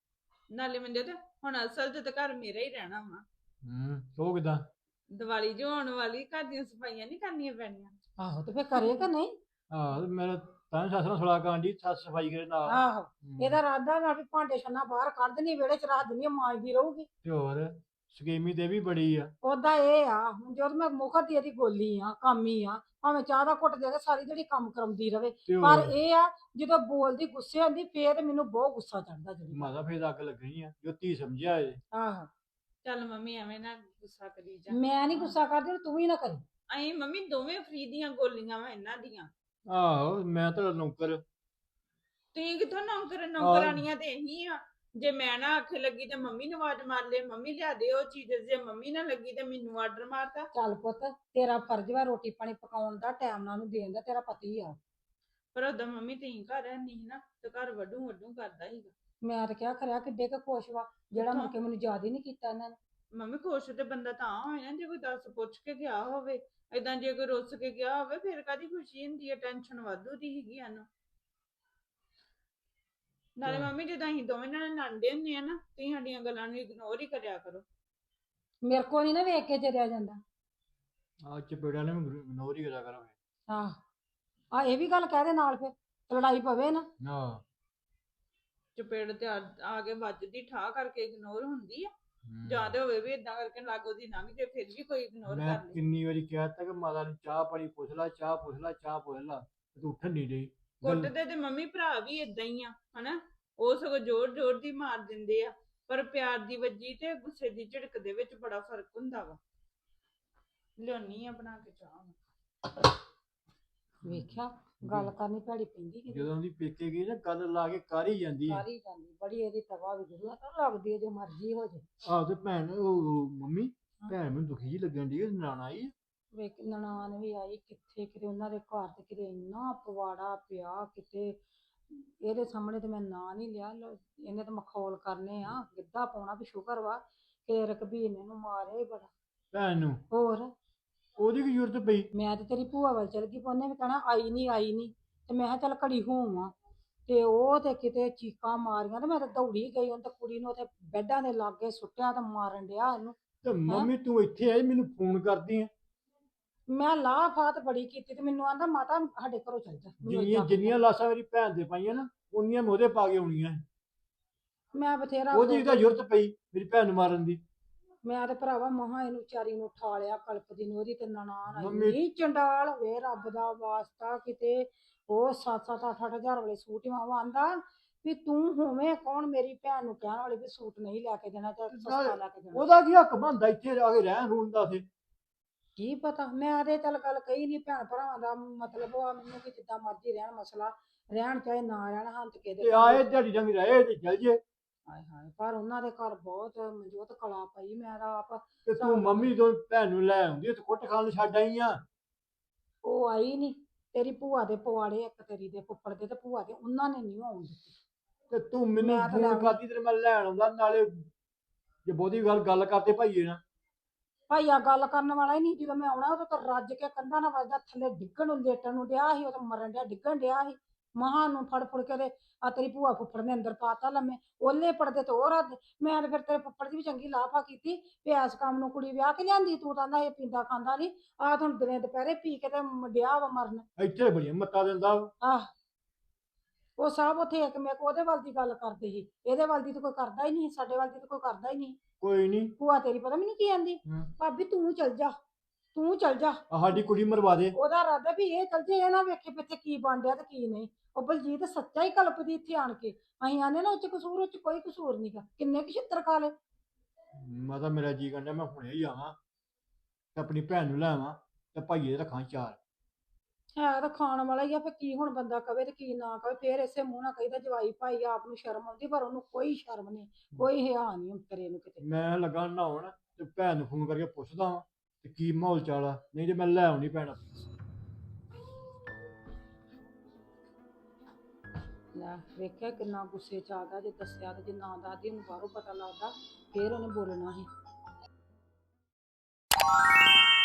S7: ਨਾਲੇ ਮੰਦੇ ਤੇ ਹੁਣ ਅਸਲ 'ਚ ਤਾਂ ਘਰ ਮੇਰਾ ਹੀ ਰਹਿਣਾ ਵਾ।
S6: ਹੂੰ ਉਹ ਕਿਦਾਂ?
S7: ਦੀਵਾਲੀ ਜੋ ਆਉਣ ਵਾਲੀ, ਘਰ ਦੀਆਂ ਸਫਾਈਆਂ ਨਹੀਂ ਕਰਨੀਆਂ ਪੈਣੀਆਂ।
S5: ਆਹੋ ਤੇ ਫੇਰ ਕਰੇਗਾ ਨਹੀਂ?
S6: ਆਹ ਤੇ ਮੇਰਾ ਤਾਂ ਸੱਸ ਨਾਲ ਸਲਾਹ ਕਰਨ ਦੀ ਸੱਸ ਸਫਾਈ ਕਰੇ ਨਾਲ।
S5: ਆਹੋ
S6: ਹੂੰ।
S5: ਇਹਦਾ ਰਾਦਾ ਨਾ ਵੀ ਭਾਂਡੇ ਛੰਨਾ ਬਾਹਰ ਕੱਢ ਦੇਣੀ, ਵਿਹੜੇ ਚ ਰੱਖ ਦੇਣੀ, ਮਾਂਜਦੀ ਰਹੂਗੀ।
S6: ਤੇ ਹੋਰ ਸਕੀਮੀ ਤੇ ਵੀ ਬੜੀ ਆ।
S5: ਉਹਦਾ ਇਹ ਆ ਹੁਣ ਜਦ ਮੈਂ ਮੁਖਤ ਦੀ ਇਹਦੀ ਗੋਲੀ ਆ, ਕਾਮੀ ਆ, ਭਾਵੇਂ ਚਾਹ ਦਾ ਘੁੱਟ ਦੇ ਕੇ ਸਾਰੀ ਜਿਹੜੀ ਕੰਮ ਕਰਾਉਂਦੀ ਰਵੇ,
S6: ਤੇ
S5: ਪਰ
S6: ਹੋਰ
S5: ਇਹ ਆ ਜਦੋਂ ਬੋਲਦੀ ਗੁੱਸੇ ਆਉਂਦੀ ਫੇਰ ਮੈਨੂੰ ਬਹੁਤ ਗੁੱਸਾ ਚੜਦਾ ਜਿਹੜੀ।
S6: ਮਾਤਾ ਫੇਰ ਅੱਗ ਲੱਗਣੀ ਆ ਜੋ ਧੀ ਸਮਝਿਆ ਏ।
S5: ਆਹੋ
S7: ਚੱਲ ਮੰਮੀ ਐਵੇਂ ਨਾ ਗੁੱਸਾ ਕਰੀ ਜਾ।
S5: ਮੈਂ ਨਹੀਂ ਗੁੱਸਾ ਕਰਦੀ, ਤੂੰ ਵੀ ਨਾ ਕਰੀ।
S7: ਅਸੀਂ ਮੰਮੀ ਦੋਵੇਂ ਫਰੀ ਦੀਆਂ ਗੋਲੀਆਂ ਵਾ ਇਹਨਾਂ ਦੀਆਂ।
S6: ਆਹੋ ਮੈਂ ਤਾਂ ਨੌਕਰ।
S7: ਤੁਸੀਂ ਕਿੱਥੋਂ ਨੌਕਰ ਨੌਕਰਾਨੀਆਂ ਤੇ ਇਹੀ ਆ। ਜੇ ਮੈਂ ਨਾ ਆਖੇ ਲੱਗੀ ਤੇ ਮੰਮੀ ਨੂੰ ਆਵਾਜ਼ ਮਾਰ ਲੇ, ਮੰਮੀ ਲਿਆ ਦੇ ਉਹ ਚੀਜ਼। ਜੇ ਮੰਮੀ ਨਾ ਲੱਗੀ ਤੇ ਮੈਨੂੰ ਆਰਡਰ ਮਾਰਤਾ।
S5: ਚੱਲ ਪੁੱਤ ਤੇਰਾ ਫਰਜ਼ ਵਾ ਰੋਟੀ ਪਾਣੀ ਪਕਾਉਣ ਦਾ, ਟਾਈਮ ਨਾਲ ਨੂੰ ਦੇਣ ਦਾ, ਤੇਰਾ ਪਤੀ ਆ।
S7: ਪਰ ਉਦੋਂ ਮੰਮੀ ਤੁਸੀਂ ਘਰ ਨਹੀਂ ਨਾ ਤੇ ਘਰ ਵੱਡੂ ਵੱਡੂ ਕਰਦਾ ਸੀਗਾ।
S5: ਮੈਂ ਤਾਂ ਕਿਹਾ ਖਰਿਆ ਕਿੱਡੇ ਕੁ ਖੁਸ਼ ਵਾ, ਜਿਹੜਾ ਮੁੜ ਕੇ ਮੈਨੂੰ ਯਾਦ ਹੀ ਨਹੀਂ ਕੀਤਾ ਇਹਨਾਂ ਨੇ।
S7: ਮੰਮੀ ਖੁਸ਼ ਤੇ ਬੰਦਾ ਤਾਂ ਹੋਏ ਨਾ ਜੇ ਕੋਈ ਦੱਸ ਪੁੱਛ ਕੇ ਗਿਆ ਹੋਵੇ। ਏਦਾਂ ਜੇ ਕੋਈ ਰੁੱਸ ਕੇ ਗਿਆ ਹੋਵੇ ਫਿਰ ਕਾਦੀ ਖੁਸ਼ੀ ਹੁੰਦੀ ਹੈ? ਟੈਨਸ਼ਨ ਵਾਧੂ ਦੀ ਹੈਗੀ ਇਹਨੂੰ। ਨਾਲੇ
S6: ਹਾਂ।
S7: ਮੰਮੀ ਜਦੋਂ ਅਸੀਂ ਦੋਵੇਂ ਨਾਲ ਲੜਦੇ ਹੁੰਦੇ ਆ ਨਾ, ਤੁਸੀਂ ਸਾਡੀਆਂ ਗੱਲਾਂ ਨੂੰ ਇਗਨੋਰ ਹੀ ਕਰਿਆ ਕਰੋ।
S5: ਮੇਰੇ ਕੋ ਨਹੀਂ ਨਾ ਵੇਖ ਕੇ ਚਰਿਆ ਜਾਂਦਾ।
S6: ਆ ਚਪੇੜਿਆਂ ਨੇ ਇਗਨੋਰ ਹੀ ਕਰਿਆ ਕਰਾਂਗੇ।
S5: ਆਹ ਆ ਇਹ ਵੀ ਗੱਲ ਕਹਿ ਦੇ ਨਾਲ, ਫਿਰ ਲੜਾਈ ਪਵੇ ਨਾ।
S6: ਹਾਂ
S7: ਚਪੇੜ ਤੇ ਆ ਆ ਕੇ ਵੱਜਦੀ ਠਾ ਕਰਕੇ ਇਗਨੋਰ ਹੁੰਦੀ ਆ।
S6: ਹੂੰ।
S7: ਜਾਂ ਤੇ ਹੋਵੇ ਵੀ ਏਦਾਂ ਕਰਕੇ ਲਾਗੋ ਦੀ ਲੰਘ ਜੇ ਫਿਰ ਵੀ ਕੋਈ ਇਗਨੋਰ
S6: ਮੈਂ
S7: ਕਰ ਲੇ।
S6: ਕਿੰਨੀ ਵਾਰੀ ਕਹਿ ਤਾ ਕਿ ਮਾਤਾ ਨੂੰ ਚਾਹ ਪਾਣੀ ਪੁੱਛ ਲਾ, ਚਾਹ ਪੁੱਛ ਲਾ, ਚਾਹ ਪੁੱਛ ਲਾ, ਤੇ ਤੂੰ ਉੱਠਣ ਨਹੀਂ ਰਹੀ।
S7: ਕੁੱਟਦੇ ਤੇ ਮੰਮੀ ਭਰਾ ਵੀ ਏਦਾਂ ਹੀ ਆ ਹਨਾ। ਉਹ ਸਗੋਂ ਜ਼ੋਰ ਜ਼ੋਰ ਦੀ ਮਾਰ ਦਿੰਦੇ ਆ, ਪਰ ਪਿਆਰ ਦੀ ਵੱਜੀ ਤੇ ਗੁੱਸੇ ਦੀ ਝਿੜਕ ਦੇ ਵਿੱਚ ਬੜਾ ਫਰਕ ਹੁੰਦਾ ਵਾ। ਲਿਆਉਣੀ ਆ ਬਣਾ ਕੇ ਚਾਹ।
S5: ਵੇਖਿਆ ਗੱਲ ਕਰਨੀ ਭੈੜੀ ਪੈਂਦੀ ਕਿ
S6: ਜਦੋਂ ਦੀ ਪੇਕੇ ਗਈ ਨਾ ਗੱਲ ਲਾ ਕੇ ਕਰ ਹੀ ਜਾਂਦੀ ਹੈ।
S5: ਸਾਰੀ ਜਾਂਦੀ ਬੜੀ ਇਹਦੀ ਤਵਾ ਵੀ ਗੁਰੂ ਲੱਗਦੀ ਹੈ, ਜੋ ਮਰਜ਼ੀ ਹੋ ਜੇ।
S6: ਆਹ ਤੇ ਭੈਣ ਉਹ ਮੰਮੀ ਭੈਣ ਮੈਨੂੰ ਦੁਖੀ ਜੀ ਲੱਗਣ ਦੀ ਨਾਨਾ ਆਈ।
S5: ਵੇਖ ਨਨਾਣ ਵੀ ਆਈ, ਕਿੱਥੇ ਕਿਤੇ ਉਹਨਾਂ ਦੇ ਘਰ ਤੇ ਕਿਤੇ ਇੰਨਾ ਪਵਾੜਾ ਪਿਆ ਕਿਤੇ। ਇਹਦੇ ਸਾਹਮਣੇ ਤੇ ਮੈਂ ਨਾਂ ਨਹੀਂ ਲਿਆ, ਲੋ- ਇਹਨੇ ਤਾਂ ਮਖੌਲ ਕਰਨੇ ਆ, ਗਿੱਧਾ ਪਾਉਣਾ ਵੀ ਸ਼ੁਕਰ ਵਾ ਕਿ ਰਕਬੀਰ ਨੇ ਇਹਨੂੰ ਮਾਰਿਆ ਹੀ ਬੜਾ।
S6: ਭੈਣ ਨੂੰ
S5: ਹੋਰ
S6: ਉਹਦੀ ਕੀ ਜ਼ਰੂਰਤ ਪਈ?
S5: ਮੈਂ ਤੇ ਤੇਰੀ ਭੂਆ ਵੱਲ ਚਲ ਗਈ, ਉਹਨੇ ਵੀ ਕਹਿਣਾ ਆਈ ਨਹੀਂ ਆਈ ਨਹੀਂ, ਤੇ ਮੈਂ ਕਿਹਾ ਚੱਲ ਘੜੀ ਹੋਵਾਂ। ਤੇ ਉਹ ਤੇ ਕਿਤੇ ਚੀਕਾਂ ਮਾਰੀਆਂ ਤੇ ਮੈਂ ਤਾਂ ਦੌੜੀ ਗਈ, ਉਹਨੇ ਤਾਂ ਕੁੜੀ ਨੂੰ ਉੱਥੇ ਬੈੱਡਾਂ ਦੇ ਲਾਗੇ ਸੁੱਟਿਆ ਤੇ ਮਾਰਨ ਡਿਆ ਇਹਨੂੰ।
S6: ਤੇ ਮੰਮੀ ਤੂੰ ਇੱਥੇ ਆਈ ਮੈਨੂੰ ਫੋਨ ਕਰਦੀ ਆ।
S5: ਮੈਂ ਲਾਹ ਫਾਤ ਬੜੀ ਕੀਤੀ ਤੇ ਮੈਨੂੰ ਆਂਦਾ ਮਾਤਾ ਸਾਡੇ ਘਰੋਂ ਚੱਲ ਜਾ। ਮੈਨੂੰ
S6: ਜਿੰਨੀਆਂ
S5: ਏਦਾਂ
S6: ਜਿੰਨੀਆਂ ਲਾਸ਼ਾਂ ਮੇਰੀ ਭੈਣ ਦੇ ਪਾਈਆਂ ਨਾ ਉਨੀਆਂ ਮੈਂ ਉਹਦੇ ਪਾ ਕੇ ਆਉਣੀਆਂ ਸੀ।
S5: ਮੈਂ ਬਥੇਰਾ
S6: ਉਹਦੀ ਤਾਂ ਜ਼ਰੂਰਤ ਪਈ ਮੇਰੀ ਭੈਣ ਨੂੰ ਮਾਰਨ ਦੀ।
S5: ਮੈਂ ਤੇ ਭਰਾਵਾ ਮਹਾ ਇਹਨੂੰ ਵਿਚਾਰੀ ਨੂੰ ਉਠਾ ਲਿਆ ਕਲਪਦੀ ਨੂੰ, ਉਹਦੀ ਤੇ ਨਨਾਣ ਆਈ
S6: ਮੰਮੀ-
S5: ਨੀ ਚੰਡਾਲ ਵੇ ਰੱਬ ਦਾ ਵਾਸਤਾ ਕਿਤੇ। ਉਹ ਸੱਤ ਸੱਤ ਅੱਠ ਅੱਠ ਹਜ਼ਾਰ ਵਾਲੇ ਸੂਟ ਹੀ ਮਾਵਾ ਆਂਦਾ ਵੀ ਤੂੰ ਹੋਵੇਂ ਕੌਣ ਮੇਰੀ ਭੈਣ ਨੂੰ ਕਹਿਣ ਵਾਲੀ ਵੀ ਸੂਟ ਨਹੀਂ ਲੈ ਕੇ ਦੇਣਾ ਤੇ ਸਸਤਾ ਲੈ ਕੇ ਦੇਣਾ।
S6: ਉਹਦਾ ਕੀ ਹੱਕ ਬਣਦਾ ਇੱਥੇ ਆ ਕੇ ਰਹਿਣ ਰੂਣ ਦਾ? ਤੇ
S5: ਕੀ ਪਤਾ, ਮੈਂ ਤੇ ਚੱਲ ਗੱਲ ਕਹੀ ਨਹੀਂ, ਭੈਣ ਭਰਾਵਾਂ ਦਾ ਮਤਲਬ ਆ ਮੈਨੂੰ ਕਿ ਜਿੱਦਾਂ ਮਰਜ਼ੀ ਰਹਿਣ, ਮਸਲਾ ਰਹਿਣ ਚਾਹੇ ਨਾ ਰਹਿਣ, ਹੰਤ ਕੇ
S6: ਤੇ ਆਏ ਦਿਹਾੜੀ ਜੰਗ ਰਹੇ ਤੇ ਚੱਲ ਜੇ।
S5: ਹਾਏ ਹਾਏ, ਪਰ ਉਹਨਾਂ ਦੇ ਘਰ ਬਹੁਤ ਮਨਜੋਤ ਕਲਾ ਪਈ। ਮੈਂ ਤਾਂ ਆਪ
S6: ਤੇ ਤੂੰ ਮੰਮੀ ਤੋਂ ਭੈਣ ਨੂੰ ਲੈ ਆਉਂਦੀ ਤੇ ਕੁੱਟ ਖਾਣ ਨੂੰ ਛੱਡ ਆਈ ਆ।
S5: ਉਹ ਆਈ ਨਹੀਂ, ਤੇਰੀ ਭੂਆ ਦੇ ਪਵਾੜੇ, ਇੱਕ ਤੇਰੀ ਦੇ ਫੁੱਫੜ ਦੇ ਤੇ ਭੂਆ ਦੇ, ਉਹਨਾਂ ਨੇ ਨਹੀਂ ਆਉਣ ਦਿੱਤੀ।
S6: ਤੇ ਤੂੰ ਮੈਨੂੰ
S5: ਮੈਂ ਤਾਂ
S6: ਫੋਨ
S5: ਲੈ
S6: ਕਰਦੀ ਤੇ ਮੈਂ ਲੈਣ ਆਉਂਦਾ। ਨਾਲੇ ਜੇ ਬਹੁਤੀ ਗੱਲ ਗੱਲ ਕਰਦੇ ਭਾਈਏ ਨਾ।
S5: ਭਾਈਆ ਗੱਲ ਕਰਨ ਵਾਲਾ ਹੀ ਨਹੀਂ, ਜਦੋਂ ਮੈਂ ਆਉਣਾ ਉਦੋਂ ਤਾਂ ਰੱਜ ਕੇ ਕੰਧਾਂ ਨਾਲ ਵੱਜਦਾ, ਥੱਲੇ ਡਿੱਗਣ ਨੂੰ ਲੇਟਣ ਨੂੰ ਡਿਆ ਸੀ, ਉਹ ਤਾਂ ਮਰਨ ਡਿਆ, ਡਿੱਗਣ ਡਿਆ ਸੀ। ਮਹਾਂ ਨੂੰ ਫੜ ਫੜ ਕੇ ਤੇ ਆ ਤੇਰੀ ਭੂਆ ਫੁੱਫੜ ਨੇ ਅੰਦਰ ਪਾਤਾ ਲੰਮੇ, ਉਹਲੇ ਪੜਦੇ ਤੇ ਉਹ ਰੱਜ। ਮੈਂ ਤੇ ਫਿਰ ਤੇਰੇ ਫੁੱਫੜ ਦੀ ਵੀ ਚੰਗੀ ਲਾਫਾ ਕੀਤੀ ਵੀ ਇਸ ਕੰਮ ਨੂੰ ਕੁੜੀ ਵਿਆਹ ਕੇ ਲਿਆਂਦੀ, ਤੂੰ ਤਾਂ ਇਹ ਪੀਂਦਾ ਖਾਂਦਾ ਨਹੀਂ, ਆਹ ਹੁਣ ਦਿਨੇ ਦੁਪਹਿਰੇ ਪੀ ਕੇ ਤੇ ਡਿਆ ਵਾ ਮਰਨ।
S6: ਇੱਥੇ ਬੜੀਆਂ ਮੱਤਾਂ ਦਿੰਦਾ ਵਾ।
S5: ਆਹ ਉਹ ਸਭ ਉੱਥੇ ਇੱਕ ਮੈਂ ਉਹਦੇ ਵੱਲ ਦੀ ਗੱਲ ਕਰਦੇ ਸੀ, ਇਹਦੇ ਵੱਲ ਦੀ ਤਾਂ ਕੋਈ ਕਰਦਾ ਹੀ ਨਹੀਂ, ਸਾਡੇ ਵੱਲ ਦੀ ਤਾਂ ਕੋਈ ਕਰਦਾ ਹੀ ਨਹੀਂ।
S6: ਕੋਈ ਨਹੀਂ।
S5: ਭੂਆ ਤੇਰੀ ਪਤਾ ਮੈਨੂੰ ਕੀ ਆਂਦੀ, ਭਾਬੀ ਤੂੰ ਚਲ ਜਾ, ਤੂੰ ਚਲ ਜਾ।
S6: ਸਾਡੀ ਕੁੜੀ ਮਰਵਾ ਦੇ।
S5: ਉਹਦਾ ਇਰਾਦਾ ਵੀ ਇਹ ਚਲ ਜੇ, ਇਹ ਨਾ ਵੇਖੇ ਪਿੱਛੇ ਕੀ ਬਣ ਡਿਆ ਤੇ ਕੀ ਨਹੀਂ। ਉਹ ਬਲਜੀਤ ਸੱਚਾ ਹੀ ਕਲਪਦੀ ਇੱਥੇ ਆਣ ਕੇ। ਅਸੀਂ ਆਨੇ ਨਾ ਉੱਚ ਕਸੂਰ, ਉੱਚ ਕੋਈ ਕਸੂਰ ਨਹੀਂਗਾ, ਕਿੰਨੇ ਕੁ ਛਿੱਤਰ ਖਾ ਲਏ।
S6: ਮੈਂ ਤਾਂ ਮੇਰਾ ਜੀ ਕਹਿੰਦਾ ਮੈਂ ਹੁਣੇ ਹੀ ਆਵਾਂ ਤੇ ਆਪਣੀ ਭੈਣ ਨੂੰ ਲੈ ਆਵਾਂ ਤੇ ਭਾਈਏ ਦੇ ਰੱਖਾਂ ਚਾਰ।
S5: ਹੈ ਤਾਂ ਖਾਣ ਵਾਲਾ ਹੀ ਆ, ਫਿਰ ਕੀ ਹੁਣ ਬੰਦਾ ਕਵੇ ਤੇ ਕੀ ਨਾ ਕਵੇ, ਫੇਰ ਇਸੇ ਮੂੰਹ ਨਾਲ ਕਹੀਦਾ ਜਵਾਈ ਭਾਈ ਆਪ ਨੂੰ ਸ਼ਰਮ ਆਉਂਦੀ, ਪਰ ਉਹਨੂੰ ਕੋਈ ਸ਼ਰਮ ਨਹੀਂ, ਕੋਈ ਹਿਆ ਨਹੀਂ ਉਤਰੇ ਨੂੰ ਕਿਤੇ।
S6: ਮੈਂ ਲੱਗਾ ਨਹਾਉਣ ਤੇ ਭੈਣ ਨੂੰ ਫੋਨ ਕਰਕੇ ਪੁੱਛਦਾ ਵਾਂ ਤੇ ਕੀ ਮਾਹੌਲ ਚਾਲ ਆ, ਨਹੀਂ ਤੇ ਮੈਂ ਲੈ ਆਉਣੀ ਪੈਣਾ।
S5: ਲੈ ਵੇਖਿਆ ਕਿੰਨਾ ਗੁੱਸੇ ਚ ਆ ਗਿਆ, ਜੇ ਦੱਸਿਆ ਤੇ ਜੇ ਨਾ ਦੱਸਦੀ ਉਹਨੂੰ ਬਾਹਰੋਂ ਪਤਾ ਲੱਗਦਾ ਫੇਰ ਉਹਨੇ ਬੋਲਣਾ ਸੀ।